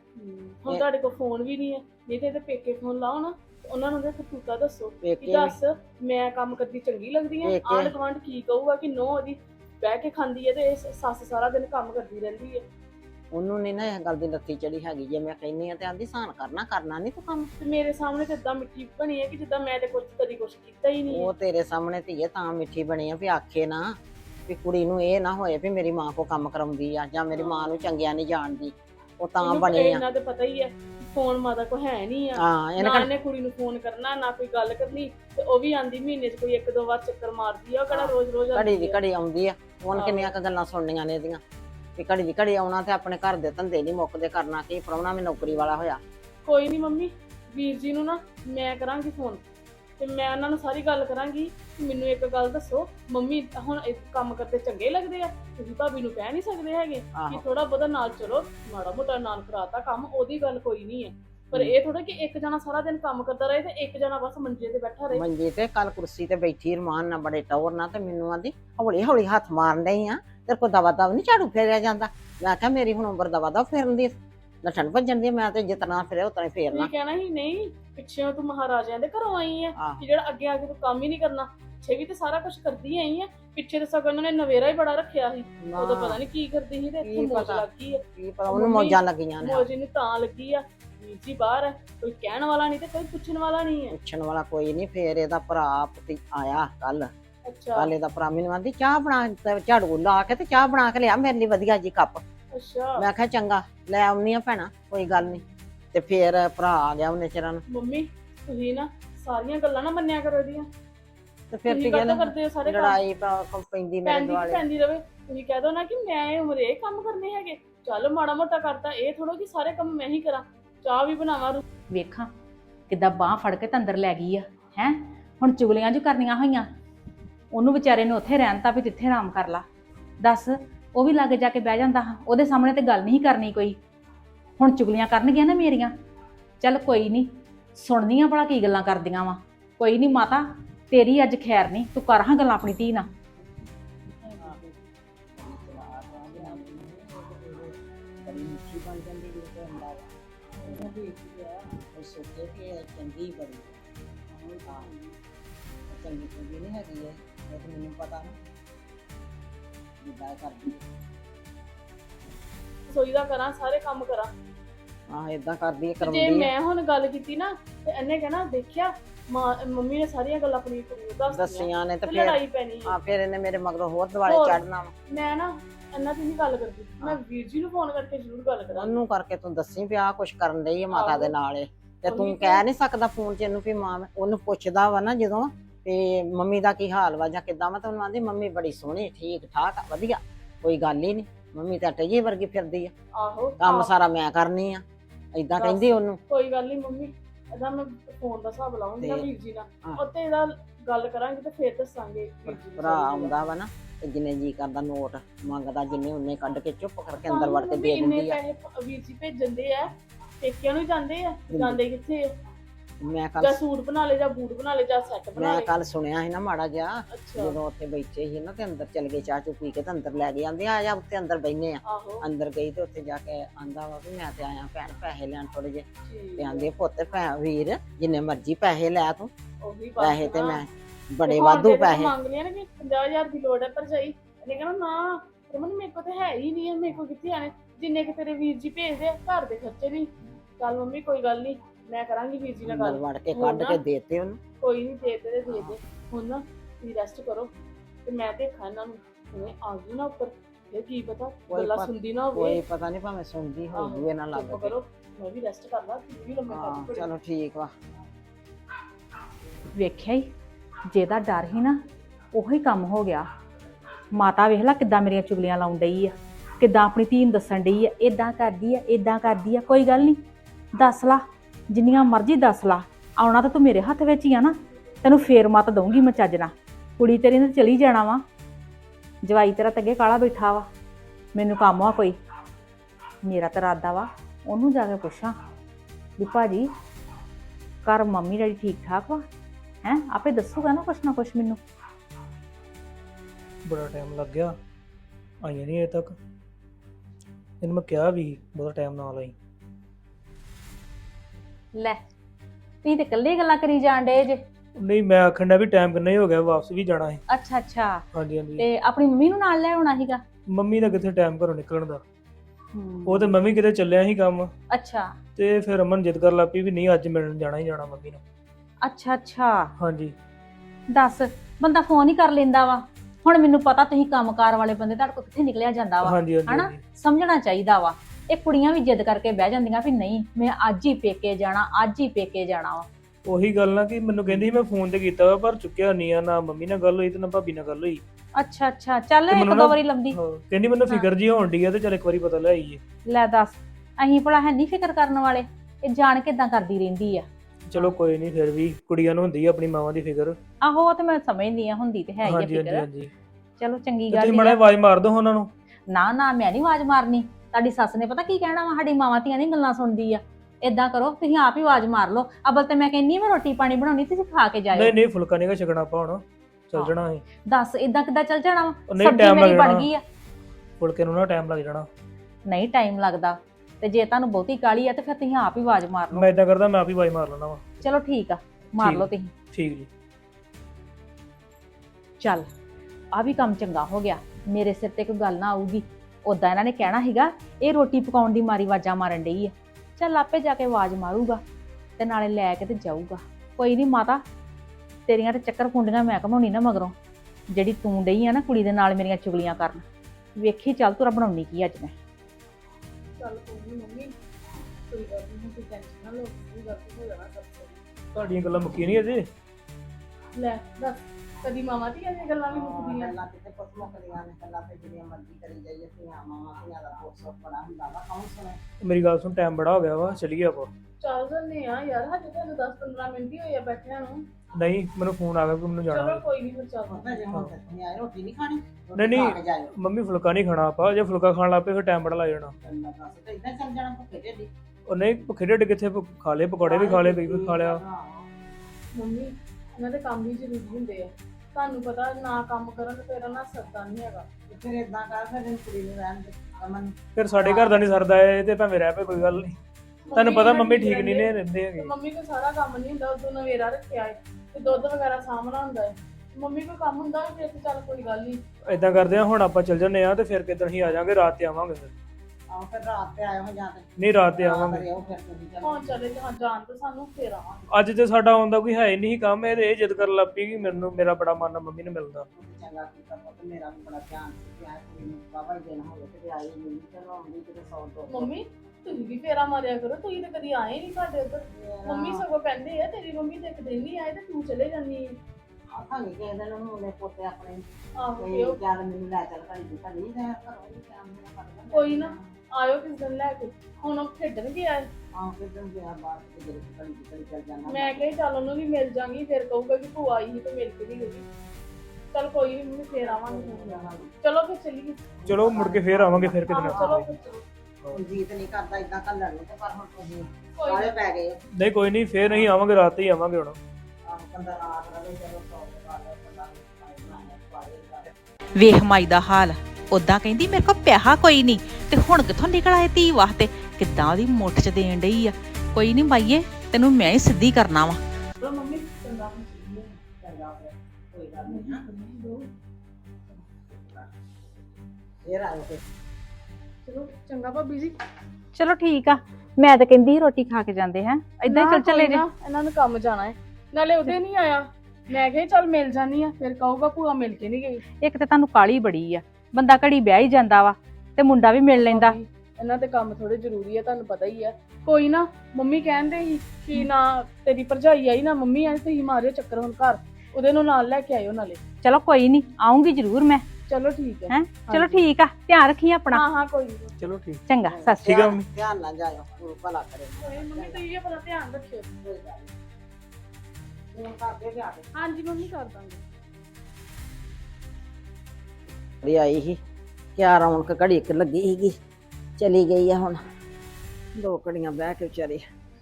Speaker 2: ਹੁਣ ਤੁਹਾਡੇ ਕੋਲ ਫੋਨ ਵੀ ਨਹੀਂ ਹੈ, ਨਹੀਂ ਤੇ ਇਹਦੇ ਪੇਕੇ ਫੋਨ ਲਾਓ ਨਾ, ਉਹਨਾਂ ਨੂੰ ਦੇਖ ਤੂਤਾ ਦੱਸੋ ਕਿ
Speaker 1: ਪੇਕੇ
Speaker 2: ਦੱਸ ਮੈਂ ਕੰਮ ਕਰਦੀ ਚੰਗੀ ਲੱਗਦੀ ਹੈ?
Speaker 1: ਪੇਕੇ-
Speaker 2: ਆਂਢ ਗੁਆਂਢ ਕੀ ਕਹੂਗਾ ਕਿ ਨੋ ਉਹਦੀ ਬਹਿ ਕੇ ਖਾਂਦੀ ਹੈ ਤੇ ਇਹ ਸੱਸ ਸਾਰਾ ਦਿਨ ਕੰਮ ਕਰਦੀ ਰਹਿੰਦੀ ਹੈ।
Speaker 1: ਉਹਨੂੰ ਨਹੀਂ ਨਾ ਇਹ ਗੱਲ ਦੀ ਲੱਤੀ ਚੜੀ ਹੈਗੀ, ਜੇ ਮੈਂ ਕਹਿੰਨੀ ਆ ਤੇ ਆਂਦੀ ਸਾਨ ਕਰਨਾ ਨਹੀਂ ਤੂੰ ਕੰਮ।
Speaker 2: ਤੇ ਮੇਰੇ ਸਾਹਮਣੇ ਤੇ ਇਦਾਂ ਮਿੱਠੀ ਬਣੀ ਹੈ ਕਿ ਜਿੱਦਾਂ ਮੈਂ ਤੇ ਕੁਝ ਕਦੀ ਕੁਝ ਕੀਤਾ ਹੀ ਨਹੀਂ ਹੈ।
Speaker 1: ਉਹ ਤੇਰੇ ਸਾਹਮਣੇ ਧੀਏ ਤਾਂ ਮਿੱਠੀ ਬਣੀ ਆ ਵੀ ਆਖੇ ਨਾ ਵੀ ਕੁੜੀ ਨੂੰ ਇਹ ਨਾ ਹੋਏ ਵੀ ਮੇਰੀ ਮਾਂ ਕੋ ਕੰਮ ਕਰਾਉਂਦੀ ਆ, ਜਾਂ ਮੇਰੀ ਮਾਂ ਨੂੰ ਚੰਗਿਆ ਨਹੀਂ ਜਾਣਦੀ, ਉਹ ਤਾਂ
Speaker 2: ਇਹਨੂੰ
Speaker 1: ਬਣੀ ਆ।
Speaker 2: ਇਹਨਾਂ ਤੇ ਪਤਾ ਹੀ ਹੈ ਫੋਨ ਮਾਤਾ ਕੋ ਹੈ ਨਹੀਂ ਆ,
Speaker 1: ਹਾਂ ਇਹਨੇ
Speaker 2: ਨਾ ਇਹਨੇ ਕੁੜੀ ਨੂੰ ਫੋਨ ਕਰਨਾ ਨਾ ਕੋਈ ਗੱਲ ਕਰਨੀ, ਤੇ ਉਹ ਵੀ ਆਂਦੀ ਮਹੀਨੇ 'ਚ ਕੋਈ ਇੱਕ ਦੋ ਵਾਰ ਚੱਕਰ ਮਾਰਦੀ ਆ, ਉਹ ਕਿਹੜਾ ਰੋਜ਼ ਰੋਜ਼
Speaker 1: ਘੜੀ ਦੀ
Speaker 2: ਆਉਂਦੀ ਆ।
Speaker 1: ਘੜੀ ਆਉਂਦੀ ਆ, ਹੁਣ
Speaker 2: ਹਾਂ।
Speaker 1: ਕਿੰਨੀਆਂ ਕ ਗੱਲਾਂ ਸੁਣਨੀਆਂ ਨੇ ਇਹਦੀਆਂ ਵੀ ਘੜੀ ਦੀ ਘੜੀ ਆਉਣਾ ਤੇ ਆਪਣੇ ਘਰ ਦੇ ਧੰਦੇ ਨਹੀਂ ਮੁੱਕਦੇ, ਕਰਨਾ ਕੀ, ਪ੍ਰਾਹੁਣਾ ਵੀ ਨੌਕਰੀ ਵਾਲਾ ਹੋਇਆ।
Speaker 2: ਕੋਈ ਨਹੀਂ ਮੰਮੀ, ਵੀਰ ਜੀ ਨੂੰ ਨਾ ਮੈਂ ਕਰਾਂਗੀ ਫੋਨ, ਤੇ ਮੈਂ ਉਹਨਾਂ ਨੂੰ ਸਾਰੀ ਗੱਲ ਕਰਾਂਗੀ ਕਿ ਮੈਨੂੰ ਇੱਕ ਗੱਲ ਦੱਸੋ, ਮੰਮੀ ਹੁਣ ਇਹ ਕੰਮ ਕਰਦੇ ਚੰਗੇ ਲੱਗਦੇ ਆ? ਤੁਸੀਂ ਭਾਬੀ ਨੂੰ ਕਹਿ ਨਹੀਂ ਸਕਦੇ ਹੈਗੇ ਕਿ
Speaker 1: ਆਹੋ
Speaker 2: ਥੋੜਾ ਬਹੁਤਾ ਨਾਲ ਚਲੋ, ਮਾੜਾ ਮੋਟਾ ਨਾਲ ਕਰਾਤਾ ਕੰਮ, ਉਹਦੀ ਗੱਲ ਕੋਈ ਨਹੀਂ ਹੈ, ਪਰ ਇਹ ਥੋੜਾ ਕਿ ਇੱਕ ਜਣਾ ਸਾਰਾ ਦਿਨ ਕੰਮ ਕਰਦਾ ਰਹੇ ਤੇ ਇੱਕ ਜਣਾ ਬਸ ਮੰਜੇ ਤੇ ਬੈਠਾ ਰਹੇ।
Speaker 1: ਮੰਜੇ ਤੇ ਕੱਲ ਕੁਰਸੀ ਤੇ ਬੈਠੀ ਰਮਾਨ ਨਾਲ ਬੜੇ ਟੌਰ ਨਾਲ, ਤੇ ਮੈਨੂੰ ਆਂਦੀ ਹੌਲੀ ਹੌਲੀ ਹੱਥ ਮਾਰਨ ਡਈ ਆ, ਤੇਰੇ ਕੋਲ ਦਵਾ ਦਵ ਨਹੀਂ ਝਾੜੂ ਫੇਰਿਆ ਜਾਂਦਾ। ਮੈਂ ਕਿਹਾ ਮੇਰੀ ਹੁਣ ਉਮਰ ਦਵਾ ਦਵ ਫੇਰਨ ਦੀ, ਨੱਠਣ ਭੱਜਣ ਦੀ, ਮੈਂ ਤੇ ਜਿਤਨਾ ਫਿਰਿਆ ਉਤਨਾ ਹੀ ਫੇਰਨਾ।
Speaker 2: ਤੁਸੀਂ ਕਹਿਣਾ ਹੀ ਨਹੀਂ ਪਿੱਛੇ ਤੂੰ ਮਹਾਰਾਜਿਆਂ ਦੇ ਘਰੋਂ ਆਈ ਹੈ
Speaker 1: ਆਹ
Speaker 2: ਕਿ ਜਿਹੜਾ ਅੱਗੇ ਆ ਕੇ ਤੂੰ ਕੰਮ ਹੀ ਨਹੀਂ ਕਰਨਾ, ਪਿੱਛੇ ਵੀ ਤੇ ਸਾਰਾ ਕੁਝ ਕਰਦੀ ਆਈ ਹੈ। ਪਿੱਛੇ ਤੇ ਸਗੋਂ ਉਹਨਾਂ ਨੇ ਨਵੇਰਾ ਹੀ ਬੜਾ ਰੱਖਿਆ ਸੀ, ਉਦੋਂ ਪਤਾ ਨਹੀਂ ਕੀ ਕਰਦੀ ਸੀ ਤੇ ਇੱਥੇ
Speaker 1: ਕੀ
Speaker 2: ਮੋਜ
Speaker 1: ਪਤਾ।
Speaker 2: ਲੱਗ ਗਈ ਹੈ।
Speaker 1: ਕੀ ਪਤਾ ਉਹਨੂੰ ਮੌਜਾਂ ਲੱਗੀਆਂ ਨੇ।
Speaker 2: ਮੋਜ ਨੂੰ ਤਾਂ ਲੱਗੀ ਆ, ਵੀਰ ਜੀ ਬਾਹਰ ਹੈ, ਕੋਈ ਕਹਿਣ ਵਾਲਾ ਨਹੀਂ ਤੇ ਕੋਈ ਪੁੱਛਣ ਵਾਲਾ ਨਹੀਂ ਹੈ।
Speaker 1: ਪੁੱਛਣ ਵਾਲਾ ਕੋਈ ਨਹੀਂ। ਫੇਰ ਇਹਦਾ ਭਰਾ ਆਇਆ ਕੱਲ,
Speaker 2: ਅੱਛਾ
Speaker 1: ਕੱਲ ਇਹਦਾ ਭਰਾ ਮੈਨੂੰ ਆਂਦੀ ਚਾਹ ਬਣਾ, ਤੇ ਝਾੜੂ ਲਾ ਕੇ ਤੇ ਚਾਹ ਬਣਾ ਕੇ ਲਿਆ ਮੇਰੇ ਲਈ ਵਧੀਆ ਜੀ ਕੱਪ।
Speaker 2: ਅੱਛਾ
Speaker 1: ਮੈਂ ਕਿਹਾ ਚੰਗਾ ਲੈ ਆਉਣੀ ਆ ਭੈਣਾ, ਕੋਈ ਗੱਲ ਨਹੀਂ। ਤੇ ਫੇਰ ਭਰਾ ਆ ਗਿਆ ਉਹਨੇ ਚਿਰਾਂ ਨੂੰ,
Speaker 2: ਮੰਮੀ ਤੁਸੀਂ ਨਾ ਸਾਰੀਆਂ ਗੱਲਾਂ ਨਾ ਮੰਨਿਆ ਕਰੋ ਇਹਦੀਆਂ,
Speaker 1: ਤੇ ਫਿਰ
Speaker 2: ਤੁਸੀਂ
Speaker 1: ਧੀਏ
Speaker 2: ਕਾਹਤੋਂ ਕਰਦੇ ਹੋ ਸਾਰੇ ਕੰਮ?
Speaker 1: ਲੜਾਈ ਪੈਂਦੀ ਮੇਰੇ
Speaker 2: ਪੈਂਦੀ
Speaker 1: ਦੁਆਲੇ।
Speaker 2: ਪੈਂਦੀ ਰਵੇ, ਤੁਸੀਂ ਕਹਿ ਦੋ ਨਾ ਕਿ ਮੈਂ ਇਹ ਉਮਰੇ ਇਹ ਕੰਮ ਕਰਨੇ ਹੈਗੇ, ਚੱਲ ਮਾੜਾ ਮੋਟਾ ਕਰਤਾ, ਇਹ ਥੋੜੋ ਕਿ ਸਾਰੇ ਕੰਮ ਮੈਂ ਹੀ ਕਰਾਂ, ਚਾਹ ਵੀ ਬਣਾਵਾਂ।
Speaker 3: ਵੇਖਾਂ ਕਿੱਦਾਂ ਬਾਹ ਫੜ ਕੇ ਤਾਂ ਅੰਦਰ ਲੈ ਗਈ ਆ ਹੈ। ਹੁਣ ਚੁਗਲੀਆਂ ਜੋ ਕਰਨੀਆਂ ਹੋਈਆਂ, ਉਹਨੂੰ ਵਿਚਾਰੇ ਨੂੰ ਉੱਥੇ ਰਹਿਣ ਤਾਂ ਵੀ ਜਿੱਥੇ ਆਰਾਮ ਕਰ ਲਾ। ਦੱਸ ਉਹ ਵੀ ਲਾਗੇ ਜਾ ਕੇ ਬਹਿ ਜਾਂਦਾ, ਉਹਦੇ ਸਾਹਮਣੇ ਤੇ ਗੱਲ ਨਹੀਂ ਕਰਨੀ ਕੋਈ। ਹੁਣ ਚੁਗਲੀਆਂ ਕਰਨਗੀਆਂ ਨਾ ਮੇਰੀਆਂ, ਚੱਲ ਕੋਈ ਨਹੀਂ, ਸੁਣਦੀਆਂ ਭਲਾ ਕੀ ਗੱਲਾਂ ਕਰਦੀਆਂ ਵਾ। ਕੋਈ ਨਹੀਂ ਮਾਤਾ, ਤੇਰੀ ਅੱਜ ਖੈਰ ਨਹੀਂ, ਤੂੰ ਕਰ ਹਾਂ ਗੱਲਾਂ ਆਪਣੀ ਧੀ ਨਾਲ।
Speaker 1: ਬੜੀ ਮਿੱਠੀ ਬਣ ਜਾਂਦੀ ਜੇ ਤੇ ਹੁੰਦਾ ਵਾ। ਉਹਨਾਂ ਦੀ ਉਹ ਸੋਚੇ ਕਿ ਇਹ ਚੰਗੀ ਬੜੀ ਹਾਂ, ਚੰਗੀ ਚੰਗੀ ਨਹੀਂ ਹੈਗੀ ਹੈ, ਇਹ ਤਾਂ ਮੈਨੂੰ ਪਤਾ ਨਾ ਜਿੱਦਾਂ ਕਰਦੀ।
Speaker 2: ਰਸੋਈ ਦਾ ਕਰਾਂ, ਸਾਰੇ ਕੰਮ ਕਰਾਂ,
Speaker 1: ਹਾਂ ਏਦਾਂ ਕਰਦੀ ਹੈ,
Speaker 2: ਤੇ ਜੇ
Speaker 1: ਕਰਵਾਉਂਦੀ ਹੈ।
Speaker 2: ਮੈਂ ਹੁਣ ਗੱਲ ਕੀਤੀ ਨਾ ਤੇ ਇਹਨੇ ਕਹਿਣਾ ਦੇਖਿਆ ਮੰਮੀ ਨੇ ਸਾਰੀਆਂ ਗੱਲਾਂ ਆਪਣੀ ਕੁੜੀ ਨੂੰ ਦੱਸੀਆਂ
Speaker 1: ਦੱਸੀਆਂ ਨੇ ਤੇ
Speaker 2: ਤੇ
Speaker 1: ਫਿਰ
Speaker 2: ਲੜਾਈ ਪੈਣੀ ਹੈ।
Speaker 1: ਹਾਂ, ਫਿਰ ਇਹਨੇ ਮੇਰੇ ਮਗਰੋਂ ਹੋਰ ਦੁਆਲੇ
Speaker 2: ਹੋਰ।
Speaker 1: ਚੜਨਾ ਵਾ।
Speaker 2: ਮੈਂ ਨਾ ਇਹਨਾਂ ਦੀ ਨਹੀਂ ਗੱਲ ਕਰਦੀ, ਮੈਂ ਵੀਰ ਜੀ ਨੂੰ ਫੋਨ ਕਰਕੇ ਜ਼ਰੂਰ ਗੱਲ ਕਰਾਂਗੀ।
Speaker 1: ਉਹਨੂੰ ਕਰਕੇ ਤੂੰ ਦੱਸੀ ਵੀ ਆ ਕੁਛ ਕਰਨ ਡਈ ਆ ਮਾਤਾ ਦੇ
Speaker 2: ਆਹੋ।
Speaker 1: ਨਾਲ ਇਹ। ਤੇ
Speaker 2: ਉਹੀ
Speaker 1: ਤੂੰ
Speaker 2: ਤੇ।
Speaker 1: ਕਹਿ ਨਹੀਂ ਸਕਦਾ ਫੋਨ 'ਚ ਇਹਨੂੰ ਵੀ ਮਾਂ ਉਹਨੂੰ ਪੁੱਛਦਾ ਵਾ ਨਾ ਜਦੋਂ ਤੇ ਮੰਮੀ ਦਾ ਕੀ ਹਾਲ ਵਾ ਜਾਂ ਕਿੱਦਾਂ ਵਾ, ਤਾਂ ਉਹਨੂੰ ਆਂਦੀ ਮੰਮੀ ਬੜੀ ਸੋਹਣੀ ਠੀਕ ਠਾਕ ਆ ਵਧੀਆ, ਕੋਈ ਗੱਲ ਹੀ ਨਹੀਂ, ਮੰਮੀ ਤਾਂ ਟਜੀ ਵਰਗੀ ਫਿਰਦੀ ਆ,
Speaker 2: ਆਹੋ
Speaker 1: ਕੰਮ
Speaker 2: ਆਹ,
Speaker 1: ਸਾਰਾ ਮੈਂ ਕਰਨੀ ਆ, ਏਦਾਂ
Speaker 2: ਬਸ।
Speaker 1: ਕਹਿੰਦੀ ਉਹਨੂੰ।
Speaker 2: ਕੋਈ ਗੱਲ ਨਹੀਂ ਮੰਮੀ, ਇਹਦਾ ਮੈਂ ਫੋਨ ਦਾ ਹਿਸਾਬ ਲਾਉਂਗੀ ਨਾ
Speaker 1: ਤੇ-
Speaker 2: ਵੀਰ ਜੀ ਨਾਲ,
Speaker 1: ਹਾਂ।
Speaker 2: ਉੱਤੇ ਇਹਦਾ ਗੱਲ ਕਰਾਂਗੇ ਤੇ ਫੇਰ ਦੱਸਾਂਗੇ ਵੀਰ ਜੀ ਨੂੰ
Speaker 1: ਭਰਾ
Speaker 2: ਸਾਰੀ ਗੱਲ।
Speaker 1: ਆਉਂਦਾ ਵਾ ਨਾ ਤੇ ਜਿੰਨੇ ਜੀ ਕਰਦਾ ਨੋਟ ਮੰਗਦਾ, ਜਿੰਨੇ ਉਹਨੇ ਕੱਢ ਕੇ ਚੁੱਪ ਕਰਕੇ ਅੰਦਰ
Speaker 2: ਸਾਨੂੰ
Speaker 1: ਵੜ ਕੇ
Speaker 2: ਮੰਮੀ
Speaker 1: ਦੇ
Speaker 2: ਇੰਨੇ
Speaker 1: ਦਿੰਦੀ ਆ।
Speaker 2: ਪੈਸੇ ਵੀਰ ਜੀ ਭੇਜਦੇ ਆ, ਪੇਕਿਆਂ ਨੂੰ ਜਾਂਦੇ ਆ, ਜਾਂਦੇ ਕਿੱਥੇ ਆ?
Speaker 1: ਮੈਂ
Speaker 2: ਜਾਂ
Speaker 1: ਕੱਲ
Speaker 2: ਸੂਟ ਬਣਾ ਲੈ, ਜਾਂ ਬੂਟ ਬਣਾ ਲੈ, ਜਾਂ ਸੈੱਟ ਬਣਾ
Speaker 1: ਮੈਂ
Speaker 2: ਲੈ।
Speaker 1: ਕੱਲ ਸੁਣਿਆ ਸੀ ਨਾ ਮਾੜਾ ਜਿਹਾ,
Speaker 2: ਅੱਛਾ
Speaker 1: ਜਦੋਂ ਉੱਥੇ ਬੈਠੇ ਸੀ ਨਾ ਤੇ ਅੰਦਰ ਚਲ ਗਏ, ਚਾਹ ਚੂ ਪੀ ਕੇ ਤੇ ਅੰਦਰ ਲੈ ਗਏ, ਆਂਦੇ ਆ ਜਾ ਉੱਤੇ ਅੰਦਰ ਬੈਠਨੇ ਆ।
Speaker 2: ਆਹੋ
Speaker 1: ਅੰਦਰ ਗਈ ਤੇ ਉੱਥੇ ਜਾ ਕੇ ਆਂਦਾ ਵਾ ਵੀ ਮੈਂ ਤੇ ਆਇਆ ਭੈਣ ਪੈਸੇ ਲੈਣ ਥੋੜੇ ਜਿਹੇ,
Speaker 2: ਠੀਕ
Speaker 1: ਤੇ
Speaker 2: ਆ।
Speaker 1: ਆਂਦੇ ਪੁੱਤ ਵੀਰ ਜਿੰਨੇ ਮਰਜ਼ੀ ਪੈਸੇ ਲੈ ਤੂੰ,
Speaker 2: ਉਹੀ ਬਾਤ
Speaker 1: ਪੈਸੇ ਤੇ
Speaker 2: ਨਾ।
Speaker 1: ਮੈਂ ਬੜੇ
Speaker 2: ਹੁਣ
Speaker 1: ਵਾਧੂ
Speaker 2: ਜੇ ਤੂੰ
Speaker 1: ਪੈਸੇ।
Speaker 2: ਮੰਗ ਲਿਆ ਨਾ ਕਿ 50000 ਦੀ ਲੋੜ ਹੈ ਭਰਜਾਈ, ਇਹਨੇ ਕਹਿਣਾ ਨਾ ਰਮਨ ਮੇਰੇ ਕੋਲ ਤਾਂ ਹੈ ਹੀ ਨਹੀਂ, ਮੇਰੇ ਕੋਲ ਕਿੱਥੇ ਆਣੇ, ਜਿੰਨੇ ਕਿ ਤੇਰੇ ਵੀਰ ਜੀ ਭੇਜਦੇ ਆ, ਘਰ ਦੇ ਖਰਚੇ ਨਹੀਂ। ਚੱਲ ਮੰਮੀ ਕੋਈ ਗੱਲ ਨਹੀਂ, ਮੈਂ ਕਰਾਂਗੀ ਵੀਰ ਜੀ ਨਾਲ
Speaker 1: ਅੰਦਰ
Speaker 2: ਗੱਲ,
Speaker 1: ਵੜ ਕੇ
Speaker 2: ਹੁਣ
Speaker 1: ਕੱਢ
Speaker 2: ਨਾ-
Speaker 1: ਕੇ ਦੇਤੇ ਉਹਨੂੰ।
Speaker 2: ਕੋਈ ਨਹੀਂ ਦੇ ਦੇ ਦੇ ਦੇ। ਹੁਣ ਨਾ ਤੁਸੀਂ ਰੈਸਟ ਕਰੋ ਤੇ ਮੈਂ ਦੇਖਾਂ ਇਹਨਾਂ ਨੂੰ, ਹੁਣੇ ਆ ਗਈ ਨਾ ਉੱਪਰ, ਫਿਰ ਕੀ ਪਤਾ
Speaker 1: ਕੋਈ
Speaker 2: ਗੱਲਾਂ
Speaker 1: ਪਤਾ-
Speaker 2: ਸੁਣਦੀ ਨਾ
Speaker 1: ਕੋਈ
Speaker 2: ਹੋਵੇ।
Speaker 1: ਪਤਾ ਨਹੀਂ ਭਾਵੇਂ ਸੁਣਦੀ ਹੋ
Speaker 2: ਆਹੋ,
Speaker 1: ਜੂਏ ਨਾ ਲੱਗ
Speaker 2: ਚੁੱਪ
Speaker 1: ਕੇ।
Speaker 2: ਕਰੋ, ਮੈਂ ਵੀ ਰੈਸਟ ਕਰ ਲਾਂ, ਤੁਸੀਂ ਵੀ ਲੰਮੇ
Speaker 1: ਹਾਂ
Speaker 2: ਪੈ
Speaker 1: ਚਲੋ ਠੀਕ ਵਾ।
Speaker 3: ਵੇਖਿਆ ਹੀ ਜਿਹਦਾ ਡਰ ਹੀ ਨਾ ਉਹੀ ਕੰਮ ਹੋ ਗਿਆ। ਮਾਤਾ ਵੇਖ ਲੈ ਕਿੱਦਾਂ ਮੇਰੀਆਂ ਚੁਗਲੀਆਂ ਲਾਉਣ ਡਈ ਆ, ਕਿੱਦਾਂ ਆਪਣੀ ਧੀ ਨੂੰ ਦੱਸਣ ਡਈ ਆ, ਇਦਾਂ ਕਰਦੀ ਆ ਇਦਾਂ ਕਰਦੀ ਆ। ਕੋਈ ਗੱਲ ਨਹੀਂ, ਦੱਸ ਲਾ ਜਿੰਨੀਆਂ ਮਰਜ਼ੀ ਦੱਸ ਲਾ, ਆਉਣਾ ਤਾਂ ਤੂੰ ਮੇਰੇ ਹੱਥ ਵਿੱਚ ਹੀ ਆ ਨਾ, ਤੈਨੂੰ ਫੇਰ ਮਤ ਦਊਂਗੀ ਮੈਂ ਚੱਜ ਨਾਲ। ਕੁੜੀ ਤੇਰੀ ਨੇ ਚਲੀ ਜਾਣਾ ਵਾ, ਜਵਾਈ ਤੇਰਾ ਤਾਂ ਅੱਗੇ ਕਾਲਾ ਬੈਠਾ ਵਾ, ਮੈਨੂੰ ਕੰਮ ਆ ਕੋਈ। ਮੇਰਾ ਤਾਂ ਇਰਾਦਾ ਵਾ ਉਹਨੂੰ ਜਾ ਕੇ ਪੁੱਛਾਂ ਵੀ ਭਾਜੀ ਘਰ ਮੰਮੀ ਡੈਡੀ ਠੀਕ ਠਾਕ ਵਾ, ਹੈਂ ਆਪੇ ਦੱਸੂਗਾ ਨਾ ਕੁਛ ਨਾ ਕੁਛ ਮੈਨੂੰ।
Speaker 4: ਬੜਾ ਟਾਈਮ ਲੱਗ ਗਿਆ, ਆਈਆਂ ਨਹੀਂ ਅਜੇ ਤੱਕ। ਇਹਨੂੰ ਮੈਂ ਕਿਹਾ ਵੀ ਬਹੁਤਾ ਟਾਈਮ ਨਾ ਲਾਈ।
Speaker 3: ਲੈ ਤੁਸੀਂ ਤੇ ਇਕੱਲੇ ਗੱਲਾਂ ਕਰੀ ਜਾਣ ਡੇ ਜੇ।
Speaker 4: ਨਹੀਂ ਮੈਂ ਆਖਣ ਡਿਆ ਵੀ ਟਾਈਮ ਕਿੰਨਾ ਹੀ ਹੋ ਗਿਆ, ਵਾਪਸ ਵੀ ਜਾਣਾ ਹੈ।
Speaker 3: ਅੱਛਾ ਅੱਛਾ,
Speaker 4: ਹਾਂਜੀ ਹਾਂਜੀ।
Speaker 3: ਤੇ ਆਪਣੀ ਮੰਮੀ ਨੂੰ ਨਾਲ ਲੈ ਆਉਣਾ ਸੀਗਾ।
Speaker 4: ਮੰਮੀ ਦਾ ਕਿੱਥੇ ਟਾਈਮ ਘਰੋਂ ਨਿਕਲਣ ਦਾ, ਉਹ ਤੇ ਮੰਮੀ ਕਿਤੇ ਚੱਲਿਆ ਸੀ ਕੰਮ,
Speaker 3: ਅੱਛਾ
Speaker 4: ਤੇ ਫਿਰ ਅਮਨ ਜਿੱਦ ਕਰਨ ਲੱਗ ਪਈ ਵੀ ਨਹੀਂ ਅੱਜ ਮਿਲਣ ਜਾਣਾ ਹੀ ਜਾਣਾ ਮੰਮੀ ਨੂੰ।
Speaker 3: ਅੱਛਾ ਅੱਛਾ,
Speaker 4: ਹਾਂਜੀ
Speaker 3: ਦੱਸ ਬੰਦਾ ਫੋਨ ਹੀ ਕਰ ਲੈਂਦਾ ਵਾ। ਹੁਣ ਮੈਨੂੰ ਪਤਾ ਤੁਸੀਂ ਕੰਮਕਾਰ ਵਾਲੇ ਬੰਦੇ, ਤੁਹਾਡੇ ਕੋਲ ਕਿੱਥੇ ਨਿਕਲਿਆ ਜਾਂਦਾ ਵਾ,
Speaker 4: ਹਾਂਜੀ ਹਾਂਜੀ
Speaker 3: ਹਨਾ?
Speaker 4: ਹਾਂਜੀ।
Speaker 3: ਸਮਝਣਾ ਚਾਹੀਦਾ ਵਾ। ਇਹ ਕੁੜੀਆਂ ਵੀ ਜਿੱਦ ਕਰਕੇ ਬਹਿ ਜਾਂਦੀਆਂ ਵੀ ਨਹੀਂ ਮੈਂ ਅੱਜ ਹੀ ਪੇਕੇ ਜਾਣਾ, ਅੱਜ ਹੀ ਪੇਕੇ ਜਾਣਾ ਵਾ।
Speaker 4: ਉਹੀ ਗੱਲ ਨਾ ਕਿ ਮੈਨੂੰ ਕਹਿੰਦੀ ਸੀ ਮੈਂ ਫੋਨ ਤੇ ਕੀਤਾ ਵਾ ਪਰ ਚੁੱਕਿਆ ਨਹੀਂ ਆ, ਨਾ ਮੰਮੀ ਨਾਲ ਗੱਲ ਹੋਈ ਤੇ ਨਾ ਭਾਬੀ ਨਾਲ ਗੱਲ ਹੋਈ।
Speaker 3: ਅੱਛਾ ਅੱਛਾ, ਚੱਲ
Speaker 4: ਤੇ
Speaker 3: ਇੱਕ
Speaker 4: ਮੈਨੂੰ
Speaker 3: ਦੋ
Speaker 4: ਨਾ-
Speaker 3: ਵਾਰੀ ਲੰਦੀ।
Speaker 4: ਹਾਂ, ਕਹਿੰਦੀ ਮੈਨੂੰ ਫਿਕਰ ਜੀ ਹੋਣ ਡਈ ਆ ਤੇ ਚੱਲ ਇੱਕ ਵਾਰੀ ਪਤਾ ਲੈ ਆਈਏ।
Speaker 3: ਲੈ ਦੱਸ, ਅਹੀਂ ਭਲਾ ਹੈ ਨਹੀਂ ਫਿਕਰ ਕਰਨ ਵਾਲੇ? ਇਹ ਜਾਣ ਕਿਦਾਂ ਕਰਦੀ ਰਹਿੰਦੀ ਆ।
Speaker 4: ਚਲੋ ਕੋਈ ਨਹੀਂ, ਫਿਰ ਵੀ ਕੁੜੀਆਂ ਨੂੰ ਹੁੰਦੀ ਆ ਆਪਣੀ ਮਾਵਾਂ ਦੀ ਫਿਕਰ।
Speaker 3: ਆਹੋ ਉਹ ਤੇ ਮੈਂ ਸਮਝਦੀ ਆ, ਹੁੰਦੀ ਤੇ ਹੈ ਹੀ ਆ
Speaker 4: ਹਾਂਜੀ ਹਾਂਜੀ
Speaker 3: ਫਿਕਰ।
Speaker 4: ਹਾਂਜੀ।
Speaker 3: ਚਲੋ ਚੰਗੀ
Speaker 4: ਤੇ
Speaker 3: ਗੱਲ
Speaker 4: ਤੁਸੀਂ
Speaker 3: ਹੀ
Speaker 4: ਮਾੜਾ
Speaker 3: ਆ।
Speaker 4: ਆਵਾਜ਼ ਮਾਰ ਦੋ ਉਹਨਾਂ ਨੂੰ।
Speaker 3: ਨਾ ਨਾ ਮੈਂ ਨਹੀਂ ਆਵਾਜ਼ ਮਾਰਨੀ, ਤੁਹਾਡੀ ਸੱਸ ਨੇ ਪਤਾ ਕੀ ਕਹਿਣਾ ਵਾ, ਸਾਡੀ ਮਾਵਾਂ ਧੀਆਂ ਨਹੀਂ ਗੱਲਾਂ ਸੁਣਦੀ ਆ। ਏਦਾਂ ਕਰੋ ਤੁਸੀਂ ਆਪ ਹੀ ਆਵਾਜ਼ ਮਾਰ ਲਓ। ਅਬਲ ਤੇ ਮੈਂ ਕਹਿੰਨੀ ਮੈਂ ਰੋਟੀ ਪਾਣੀ ਬਣਾਉਣੀ, ਤੁਸੀਂ ਖਾ ਕੇ ਜਾਇਓ।
Speaker 4: ਨਹੀਂ ਨਹੀਂ ਫੁਲਕਾ ਨਹੀਂ ਛਕਣਾ ਆਪਾਂ ਹੁਣ, ਚੱਲ
Speaker 3: ਹਾਂ।
Speaker 4: ਜਾਣਾ ਹੈ।
Speaker 3: ਦੱਸ ਏਦਾਂ ਕਿੱਦਾਂ ਚੱਲ ਜਾਣਾ ਵਾ?
Speaker 4: ਉਹ ਨਹੀਂ
Speaker 3: ਸਬਜ਼ੀ
Speaker 4: ਟਾਈਮ ਲੱਗ
Speaker 3: ਮੇਰੀ ਬਣ
Speaker 4: ਜਾਣਾ,
Speaker 3: ਗਈ ਆ।
Speaker 4: ਫੁਲਕੇ ਨੂੰ ਨਾ ਟਾਈਮ ਲੱਗ ਜਾਣਾ।
Speaker 3: ਨਹੀਂ ਟਾਈਮ ਲੱਗਦਾ, ਤੇ ਜੇ ਤੁਹਾਨੂੰ ਬਹੁਤੀ ਕਾਲੀ ਆ ਤੇ ਫਿਰ ਤੁਸੀਂ ਆਪ ਹੀ ਆਵਾਜ਼ ਮਾਰ ਲਓ।
Speaker 4: ਮੈਂ ਇਦਾਂ ਕਰਦਾ, ਮੈਂ ਆਪ ਹੀ ਆਵਾਜ਼ ਮਾਰ ਲੈਣਾ ਵਾ।
Speaker 3: ਚਲੋ ਠੀਕ ਆ, ਮਾਰ
Speaker 4: ਠੀਕ।
Speaker 3: ਲਓ ਤੁਸੀਂ।
Speaker 4: ਠੀਕ ਜੀ।
Speaker 3: ਚੱਲ ਆ ਵੀ ਕੰਮ ਚੰਗਾ ਹੋ ਗਿਆ, ਮੇਰੇ ਸਿਰ ਤੇ ਕੋਈ ਗੱਲ ਨਾ ਆਊਗੀ। ਉਦਾਂ ਇਹਨਾਂ ਨੇ ਕਹਿਣਾ ਸੀਗਾ ਇਹ ਰੋਟੀ ਪਕਾਉਣ ਦੀ ਮਾਰੀ ਆਵਾਜ਼ਾਂ ਮਾਰਨ ਡਈ ਆ। ਚੱਲ ਆਪੇ ਜਾ ਕੇ ਆਵਾਜ਼ ਮਾਰੂਗਾ ਤੇ ਨਾਲੇ ਲੈ ਕੇ ਤੇ ਜਾਊਗਾ। ਕੋਈ ਨਹੀਂ ਮਾਤਾ, ਤੇਰੀਆਂ ਤੇ ਚੱਕਰ ਕੁੰਡੀਆਂ ਮੈਂ ਘਮਾਉਣੀ ਨਾ ਮਗਰੋਂ, ਜਿਹੜੀ ਤੂੰ ਡਈ ਆ ਨਾ ਕੁੜੀ ਦੇ ਨਾਲ ਮੇਰੀਆਂ ਚੁਗਲੀਆਂ ਕਰਨ। ਵੇਖੀ ਚੱਲ ਤੂੰ ਬਣਾਉਣੀ ਕੀ ਅੱਜ ਮੈਂ।
Speaker 2: ਚੱਲ ਕੋਈ ਨਹੀਂ ਮੰਮੀ, ਕੋਈ ਗੱਲ ਨਹੀਂ, ਤੁਸੀਂ ਟੈਨਸ਼ਨ ਨਾ ਲਓ, ਕੋਈ ਗੱਲ ਨਹੀਂ, ਹੋ ਜਾਣਾ ਸਭ ਕੁਝ।
Speaker 4: ਤੁਹਾਡੀਆਂ ਗੱਲਾਂ ਮੁੱਕੀਆਂ ਨਹੀਂ ਅਜੇ।
Speaker 2: ਲੈ ਦੱਸ, ਕਦੀ ਮਾਵਾਂ ਧੀਆਂ ਦੀਆਂ ਗੱਲਾਂ ਵੀ ਮੁੱਕਦੀਆਂ?
Speaker 1: ਗੱਲਾਂ ਕਿਤੇ ਪੁੱਤ ਮੁੱਕਦੀਆਂ ਨੇ, ਗੱਲਾਂ ਤੇ ਜਿਹੜੀਆਂ ਮਰਜ਼ੀ ਕਰੀ ਜਾਈਏ, ਧੀਆਂ ਮਾਵਾਂ ਧੀਆਂ ਦਾ ਦੁੱਖ ਬੜਾ ਹੁੰਦਾ ਵਾ, ਕੌਣ ਸੁਣੇ।
Speaker 4: ਮੇਰੀ ਗੱਲ ਸੁਣ, ਟਾਈਮ ਬੜਾ ਹੋ ਗਿਆ ਵਾ, ਚੱਲੀਏ ਆਪਾਂ।
Speaker 2: ਚੱਲ ਜੰਨੇ ਆ ਯਾਰ, ਹਜੇ ਤੁਹਾਨੂੰ 10-15 ਮਿੰਟ ਹੀ ਹੋਏ ਆ ਬੈਠਿਆਂ ਨੂੰ।
Speaker 4: ਨਹੀਂ ਮੈਨੂੰ ਫੋਨ ਆ ਗਿਆ ਕਿ ਮੈਨੂੰ ਜਾਣਾ
Speaker 2: ਚਲੋ
Speaker 4: ਹੈ।
Speaker 2: ਕੋਈ ਨਹੀਂ, ਫਿਰ ਚੱਲ
Speaker 1: ਪਤਾ ਜੇ ਹੁਣ ਤੁਸੀਂ ਆਏ ਰੋਟੀ ਨਹੀਂ ਖਾਣੀ,
Speaker 4: ਨਹੀਂ, ਨਹੀਂ।
Speaker 1: ਖਾ ਕੇ ਜਾਇਓ।
Speaker 4: ਮੰਮੀ ਫੁਲਕਾ ਨਹੀਂ ਖਾਣਾ ਆਪਾਂ, ਜੇ ਫੁਲਕਾ ਖਾਣ ਲੱਗ ਪਏ ਫਿਰ ਟਾਈਮ ਬੜਾ ਲੱਗ ਜਾਣਾ।
Speaker 1: ਗੱਲਾਂ ਦੱਸ ਤੇ ਇਦਾਂ ਚੱਲ ਜਾਣਾ ਭੁੱਖੇ ਢਿੱਡੀ।
Speaker 4: ਉਹ ਨਹੀਂ ਭੁੱਖੇ ਢਿੱਡ ਕਿੱਥੇ, ਖਾ ਲਏ ਪਕੌੜੇ ਵੀ ਖਾ ਲਏ, ਕਈ ਵੀ ਖਾ ਲਿਆ।
Speaker 1: ਹਾਂ।
Speaker 2: ਮੰਮੀ ਇਹਨਾਂ ਦੇ ਕੰਮ ਵੀ ਜ਼ਰੂਰੀ ਹੁੰਦੇ ਆ, ਤੁਹਾਨੂੰ ਪਤਾ ਨਾ ਕੰਮ ਕਰਨ ਤੇ ਤੇਰਾ ਨਾ ਸਰਦਾ ਨਹੀਂ ਹੈਗਾ।
Speaker 1: ਤੇ ਫਿਰ ਇਦਾਂ ਕਰ, ਫਿਰ ਇਹਨੂੰ ਕੁੜੀ ਨੂੰ ਰਹਿਣ ਦੇ ਅਮਨ।
Speaker 4: ਫਿਰ ਸਾਡੇ ਘਰ ਦਾ ਨਹੀਂ ਸਰਦਾ ਇਹ ਤੇ ਭਾਵੇਂ ਰਹਿ ਪਏ, ਕੋਈ ਗੱਲ ਨਹੀਂ। ਤੁਹਾਨੂੰ ਪਤਾ ਮੰਮੀ ਠੀਕ ਨਹੀਂ ਨੇ ਰਹਿੰਦੇ
Speaker 2: ਤੇ
Speaker 4: ਹੈਗੇ।
Speaker 2: ਮੰਮੀ ਕੋਲ ਸਾਰਾ ਕੰਮ ਨਹੀਂ ਹੁੰਦਾ, ਉਦੋਂ ਨਵੇਰਾ ਰੱਖਿਆ ਹੈ ਤੇ ਦੁੱਧ ਵਗੈਰਾ ਸਾਂਭਣਾ ਹੁੰਦਾ ਹੈ। ਮੰਮੀ ਕੋਲ ਕੰਮ ਹੁੰਦਾ ਵੀ ਫਿਰ ਤੇ ਚੱਲ ਕੋਈ ਗੱਲ ਨਹੀਂ।
Speaker 4: ਏਦਾਂ ਕਰਦੇ ਆ, ਹੁਣ ਆਪਾਂ ਚੱਲ ਜੰਨੇ ਆ ਤੇ ਫਿਰ ਕਿੱਦਣ ਹੀ ਆ ਜਾਾਂਗੇ, ਰਾਤ ਤੇ ਆਵਾਂਗੇ ਫਿਰ।
Speaker 1: ਆਹ ਫਿਰ ਰਾਤ ਤੇ ਆਇਓ ਜਾਂ ਤੇ
Speaker 4: ਨਹੀਂ ਰਾਤ ਤੇ
Speaker 1: ਰਾਤ
Speaker 4: ਆਵਾਂਗੇ
Speaker 1: ਰਿਓ ਫਿਰ ਤੁਸੀਂ ਚੱਲ।
Speaker 2: ਹਾਂ ਚਲੇ ਜਾਣ ਤੇ ਸਾਨੂੰ ਫੇਰ ਆਵਾਂਗੇ।
Speaker 4: ਅੱਜ ਤੇ ਸਾਡਾ ਆਉਂਦਾ ਕੋਈ ਹੈ ਹੀ ਨਹੀਂ ਕੰਮ, ਇਹ ਜਿੱਦ ਕਰਨ ਲੱਗ ਪਈ ਕਿ ਮੇਰਾ ਬੜਾ ਮਨ ਆ ਮੰਮੀ ਨੂੰ ਮਿਲਦਾ।
Speaker 1: ਚੰਗਾ ਕੀਤਾ ਪੁੱਤ, ਮੇਰਾ ਵੀ ਬੜਾ ਧਿਆਨ ਸੀ ਕਿ ਆ ਕੁੜੀ ਨੂੰ ਬਾਬਾ ਦਿਨ ਹੋ ਗਏ ਤੇ ਆਈ ਨਹੀਂ, ਚਲੋ ਆਉਂਦੀ ਕਿਤੇ 100 ਤੋਂ
Speaker 2: ਮੰਮੀ ਤੁਸੀਂ ਵੀ ਫੇਰਾ ਮਾਰਿਆ ਕਰੋ, ਤੁਸੀਂ ਤਾਂ ਕਦੀ ਆਏ ਨਹੀਂ ਸਾਡੇ ਉੱਧਰ। ਮੰਮੀ ਸਗੋਂ ਕਹਿੰਦੇ ਆ ਤੇਰੀ ਮੰਮੀ ਤੇ ਇੱਕ ਦਿਨ ਨਹੀਂ ਆਏ ਤੇ ਤੂੰ ਚਲੇ ਜਾਂਦੀ ਹੈ।
Speaker 1: ਆਖਾਂ ਨਹੀਂ ਕਿਸੇ ਦਿਨ ਉਹਨੂੰ ਉਹਦੇ ਪੋਤੇ ਆਪਣੇ
Speaker 2: ਆਹੋ
Speaker 1: ਕੋਈ
Speaker 2: ਤੇ ਉਹ
Speaker 1: ਜਦ ਮੈਨੂੰ ਲੈ ਚੱਲ ਘੜੀ ਦੀ ਘੜੀ ਤੇ ਘਰੋਂ ਹੀ ਸ਼ਾਮ ਨੂੰ ਕਰ ਲੈਂਦੇ।
Speaker 2: ਕੋਈ ਨਾ ਆਇਓ ਕਿਸ ਦਿਨ ਲੈ ਕੇ। ਹੁਣ ਉਹ ਖੇਡਣ ਗਿਆ ਹੈ।
Speaker 1: ਹਾਂ ਫਿਰ ਦਿਨ ਗਿਆ ਬਾਅਦ ਤੇ ਜਿਹੜੀ ਘੜੀ ਦੀ ਘੜੀ ਚੱਲ ਜਾਣਾ।
Speaker 2: ਮੈਂ ਕਿਹਾ ਚੱਲ ਉਹਨੂੰ ਵੀ ਮਿਲ ਜਾਗੀ, ਫਿਰ ਕਹੂਗਾ ਕਿ ਭੂਆ ਆਈ ਸੀ ਤੇ ਮਿਲ ਕੇ ਨਹੀਂ ਗਈ। ਚੱਲ ਕੋਈ ਨਹੀਂ ਮੰਮੀ ਫੇਰ ਆਵਾਂਗੇ। ਚਲੋ ਫਿਰ ਚੱਲੀਏ।
Speaker 4: ਚਲੋ ਮੁੜ ਕੇ ਫੇਰ ਆਵਾਂਗੇ ਫਿਰ ਕਿਤੇ
Speaker 2: ਹਾਂ
Speaker 4: ਨਾ।
Speaker 2: ਚਲੋ ਫਿਰ ਚਲੋ।
Speaker 1: ਜੀਤ ਨਹੀਂ ਕਰਦਾ ਇਦਾਂ ਘੱਲਣ ਨੂੰ ਤੇ ਪਰ ਹੁਣ ਤੁਸੀਂ
Speaker 2: ਕੋਈ
Speaker 1: ਸਾਰੇ
Speaker 2: ਨਾ।
Speaker 1: ਪੈ ਗਏ ਹੋ।
Speaker 4: ਨਹੀਂ ਕੋਈ ਨਹੀਂ, ਫੇਰ ਅਸੀਂ ਆਵਾਂਗੇ, ਰਾਤ ਹੀ ਆਵਾਂਗੇ ਹੁਣ।
Speaker 1: ਆਹ ਬੰਦਾ ਰਾਤ ਰਵੇ ਚਲੋ 100 ਦਾ ਬੰਦਾ
Speaker 5: ਵੇਖ ਮਾਈ ਦਾ ਹਾਲ। ਉਦਾਂ ਕਹਿੰਦੀ ਮੇਰੇ ਕੋਲ ਪੈਸਾ ਕੋਈ ਨਹੀਂ ਤੇ ਹੁਣ ਕਿੱਥੋਂ ਨਿਕਲ ਆਏ ਧੀ ਵਾਸਤੇ, ਕਿੱਦਾਂ ਉਹਦੀ ਮੁੱਠ 'ਚ ਦੇਣ ਡਈ ਆ। ਕੋਈ ਨਹੀਂ ਮਾਈਏ, ਤੈਨੂੰ ਮੈਂ ਹੀ ਸਿੱਧੀ ਕਰਨਾ ਵਾ।
Speaker 2: ਚਲੋ ਮੰਮੀ ਚੰਗਾ
Speaker 1: ਚੰਗਾ ਫਿਰ ਕੋਈ ਗੱਲ ਨਹੀਂ। ਹਾਂ ਫੇਰ ਆਇਓ ਫਿਰ।
Speaker 2: ਚਲੋ ਚੰਗਾ ਭਾਬੀ ਜੀ।
Speaker 3: ਚਲੋ ਠੀਕ ਆ, ਮੈਂ ਤਾਂ ਕਹਿੰਦੀ ਸੀ ਰੋਟੀ ਖਾ ਕੇ ਜਾਂਦੇ ਹੈ, ਏਦਾਂ ਹੀ ਚੱਲ ਚੱਲੇ ਜੇ।
Speaker 2: ਇਹਨਾਂ ਨੂੰ ਕੰਮ ਜਾਣਾ ਹੈ, ਨਾਲੇ ਉਹਦੇ ਨਹੀਂ ਆਇਆ। ਮੈਂ ਕਿਹਾ ਚੱਲ ਮਿਲ ਜਾਨੀ ਆ, ਫਿਰ ਕਹੂਗਾ ਭੂਆ ਮਿਲ ਕੇ ਨਹੀਂ ਗਈ।
Speaker 3: ਇੱਕ ਤੇ ਤੁਹਾਨੂੰ ਕਾਲੀ ਬੜੀ ਆ, ਬੰਦਾ ਘੜੀ ਵਿਆਹ ਹੀ ਜਾਂਦਾ ਵਾ ਤੇ ਮੁੰਡਾ ਵੀ ਮਿਲ ਲੈਂਦਾ।
Speaker 2: ਭਾਬੀ, ਇਹਨਾਂ ਦੇ ਕੰਮ ਥੋੜੇ ਜ਼ਰੂਰੀ ਆ, ਤੁਹਾਨੂੰ ਪਤਾ ਹੀ ਆ। ਕੋਈ ਨਾ ਮੰਮੀ ਕਹਿੰਦੇ ਸੀ ਕਿ ਨਾ ਤੇਰੀ ਭਰਜਾਈ ਆਈ ਨਾ ਮੰਮੀ ਆਈ, ਤੁਸੀਂ ਮਾਰਿਓ ਚੱਕਰ ਹੁਣ ਘਰ, ਉਹਦੇ ਨੂੰ ਨਾਲ ਲੈ ਕੇ ਆਇਓ ਨਾਲੇ।
Speaker 3: ਚਲੋ ਕੋਈ ਨਹੀਂ, ਆਉਂਗੀ ਜ਼ਰੂਰ ਮੈਂ।
Speaker 2: ਚਲੋ ਠੀਕ ਹੈ।
Speaker 3: ਹੈਂ? ਚਲੋ ਠੀਕ ਆ, ਧਿਆਨ ਰੱਖੀ ਆਪਣਾ।
Speaker 2: ਹਾਂ ਹਾਂ ਕੋਈ ਨਹੀਂ।
Speaker 4: ਚਲੋ ਠੀਕ।
Speaker 3: ਚੰਗਾ, ਸਤਿ ਸ਼੍ਰੀ
Speaker 4: ਠੀਕ ਆ ਮੰਮੀ।
Speaker 1: ਧਿਆਨ ਨਾਲ ਜਾਇਓ, ਗੁਰੂ ਭਲਾ ਕਰੇ।
Speaker 2: ਮੰਮੀ ਤੁਸੀਂ ਵੀ ਆਪਣਾ ਧਿਆਨ ਰੱਖਿਓ।
Speaker 1: ਕੋਈ ਗੱਲ ਨਹੀਂ। ਫੋਨ ਕਰਦੇ ਜਾ ਕੇ।
Speaker 2: ਹਾਂਜੀ ਮੰਮੀ ਕਰ ਦਾਂਗੇ।
Speaker 1: ਕੁੜੀ ਆਈ ਸੀ, ਕਿਆ ਰੌਣਕ ਘੜੀ ਇੱਕ ਲੱਗੀ ਸੀਗੀ, ਚਲੀ ਗਈ ਆ ਹੁਣ। 2 ਘੜੀਆਂ ਬਹਿ ਕੇ ਵਿਚਾਰੀ।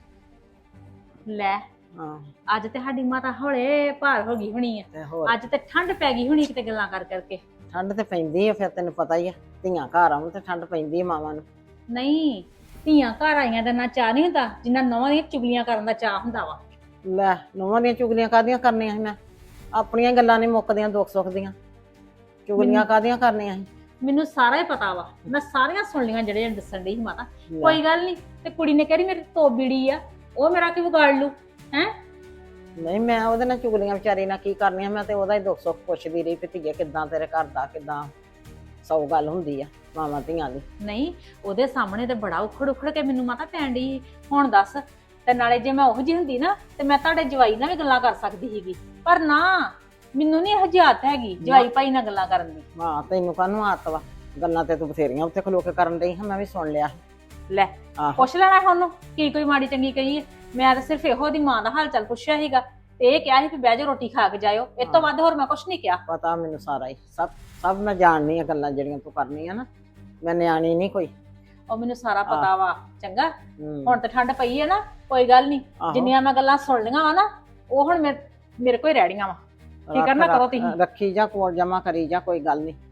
Speaker 3: ਲੈ
Speaker 1: ਹਾਂ
Speaker 3: ਅੱਜ ਤੇ ਸਾਡੀ ਮਾਤਾ ਹੌਲੇ ਭਾਰ ਹੋ ਗਈ ਹੋਣੀ ਆ।
Speaker 1: ਤੇ ਹੋਰ
Speaker 3: ਅੱਜ ਤੇ ਠੰਡ ਪੈ ਗਈ ਹੋਣੀ ਕਿਤੇ ਗੱਲਾਂ ਕਰ ਕਰਕੇ।
Speaker 1: ਠੰਡ ਤੇ ਪੈਂਦੀ ਆ, ਫਿਰ ਤੈਨੂੰ ਪਤਾ ਹੀ ਆ, ਧੀਆਂ ਘਰ ਆਉਣ ਤੇ ਠੰਡ ਪੈਂਦੀ ਆ ਮਾਵਾਂ ਨੂੰ।
Speaker 3: ਨਹੀਂ, ਧੀਆਂ ਘਰ ਆਈਆਂ ਦਾ ਨਾ ਚਾਹ ਨਹੀਂ ਹੁੰਦਾ ਜਿੰਨਾ ਨੌਵਾਂ ਦੀਆਂ ਚੁਗਲੀਆਂ ਕਰਨ ਦਾ ਚਾਹ ਹੁੰਦਾ ਵਾ।
Speaker 1: ਲੈ ਨੂੰਹਾਂ ਦੀਆਂ ਚੁਗਲੀਆਂ ਕਾਹਦੀਆਂ ਕਰਨੀਆਂ ਸੀ ਮੈਂ? ਆਪਣੀਆਂ ਗੱਲਾਂ ਨਹੀਂ ਮੁੱਕਦੀਆਂ ਦੁੱਖ ਸੁੱਖ ਦੀਆਂ, ਚੁਗਲੀਆਂ ਕਾਹਦੀਆਂ ਕਰਨੀਆਂ ਸੀ?
Speaker 3: ਮੈਨੂੰ ਸਾਰਾ ਹੀ ਪਤਾ ਵਾ, ਮੈਂ ਸਾਰੀਆਂ ਸੁਣ ਲੀਆਂ ਜਿਹੜੇ ਦੱਸਣ ਡਈ ਸੀ ਮਾਤਾ। ਕੋਈ ਗੱਲ ਨਹੀਂ, ਤੇ ਕੁੜੀ ਨੇ ਕਹਿ ਮੇਰੀ ਤੋਬੀੜੀ ਆ, ਉਹ ਮੇਰਾ ਕੀ ਵਿਗਾੜ ਲੂ ਹੈ?
Speaker 1: ਨਹੀਂ ਮੈਂ ਉਹਦੇ ਨਾਲ ਚੁਗਲੀਆਂ ਵਿਚਾਰੀ ਨਾਲ ਕੀ ਕਰਨੀਆਂ, ਮੈਂ ਤੇ ਉਹਦਾ ਹੀ ਦੁੱਖ ਸੁੱਖ ਪੁੱਛਦੀ ਰਹੀ ਵੀ ਧੀਏ ਕਿੱਦਾਂ ਤੇਰੇ ਘਰ ਦਾ, ਕਿੱਦਾਂ 100 ਗੱਲ ਹੁੰਦੀ ਆ ਮਾਵਾਂ ਧੀਆਂ ਦੀ।
Speaker 3: ਨਹੀਂ, ਉਹਦੇ ਸਾਹਮਣੇ ਤੇ ਬੜਾ ਉਖੜ ਉਖੜ ਕੇ ਮੈਨੂੰ ਮਾਤਾ ਪੈਣ ਡਈ ਸੀ। ਹੁਣ ਦੱਸ, ਤੇ ਨਾਲੇ ਜੇ ਮੈਂ ਉਹੋ ਜਿਹੀ ਹੁੰਦੀ ਨਾ ਤੇ ਮੈਂ ਤੁਹਾਡੇ ਜਵਾਈ ਨਾਲ ਵੀ ਗੱਲਾਂ ਕਰ ਸਕਦੀ ਸੀਗੀ, ਪਰ ਨਾ, ਮੈਨੂੰ ਨਹੀਂ ਇਹ ਹਜਾਤ ਹੈਗੀ ਜਵਾਈ ਭਾਈ ਨਾਲ ਗੱਲਾਂ ਕਰਨ ਦੀ।
Speaker 1: ਹਾਂ ਤੈਨੂੰ ਕਾਹਨੂੰ ਆਦਤ ਵਾ? ਗੱਲਾਂ ਤੇ ਤੂੰ ਬਥੇਰੀਆਂ ਉੱਥੇ ਖਲੋ ਕੇ ਕਰਨ ਡਈ ਹਾਂ, ਮੈਂ ਵੀ ਸੁਣ ਲਿਆ।
Speaker 3: ਲੈ
Speaker 1: ਆਹੋ
Speaker 3: ਪੁੱਛ ਲੈਣਾ ਉਹਨੂੰ ਕੀ ਕੋਈ ਮਾੜੀ ਚੰਗੀ ਕਹੀ ਹੈ? ਮੈਂ ਤਾਂ ਸਿਰਫ ਇਹੋ ਦੀ ਮਾਂ ਦਾ ਹਾਲ ਚਾਲ ਪੁੱਛਿਆ ਸੀਗਾ ਤੇ ਇਹ ਕਿਹਾ ਸੀ ਵੀ ਬਹਿ ਜਾ ਰੋਟੀ ਖਾ ਕੇ ਜਾਇਓ, ਇਸ ਤੋਂ ਵੱਧ ਹੋਰ ਮੈਂ ਕੁਛ ਨਹੀਂ ਕਿਹਾ।
Speaker 1: ਪਤਾ ਮੈਨੂੰ ਸਾਰਾ ਹੀ, ਸਭ ਮੈਂ ਜਾਣਨੀ ਆ ਗੱਲਾਂ ਜਿਹੜੀਆਂ ਤੂੰ ਕਰਨੀਆਂ ਨਾ, ਮੈਂ ਨਿਆਣੀ ਨਹੀਂ ਕੋਈ।
Speaker 3: ਉਹ ਮੈਨੂੰ ਸਾਰਾ ਪਤਾ ਵਾ। ਚੰਗਾ,
Speaker 1: ਹੂੰ।
Speaker 3: ਹੁਣ ਤੇ ਠੰਡ ਪਈ ਹੈ ਨਾ, ਕੋਈ ਗੱਲ ਨਹੀਂ,
Speaker 1: ਆਹੋ।
Speaker 3: ਜਿੰਨੀਆਂ ਮੈਂ ਗੱਲਾਂ ਸੁਣ ਲਈਆਂ ਵਾ ਨਾ, ਉਹ ਹੁਣ ਮੇਰੇ ਕੋਲ ਹੀ ਰਹਿਣੀਆਂ ਵਾ। ਫਿਕਰ ਨਾ ਕਰੋ ਤੁਸੀਂ।
Speaker 1: ਰੱਖੀ ਜਾ ਕੋਲ ਜਮਾ ਕਰੀ ਜਾ, ਕੋਈ ਗੱਲ ਨਹੀਂ।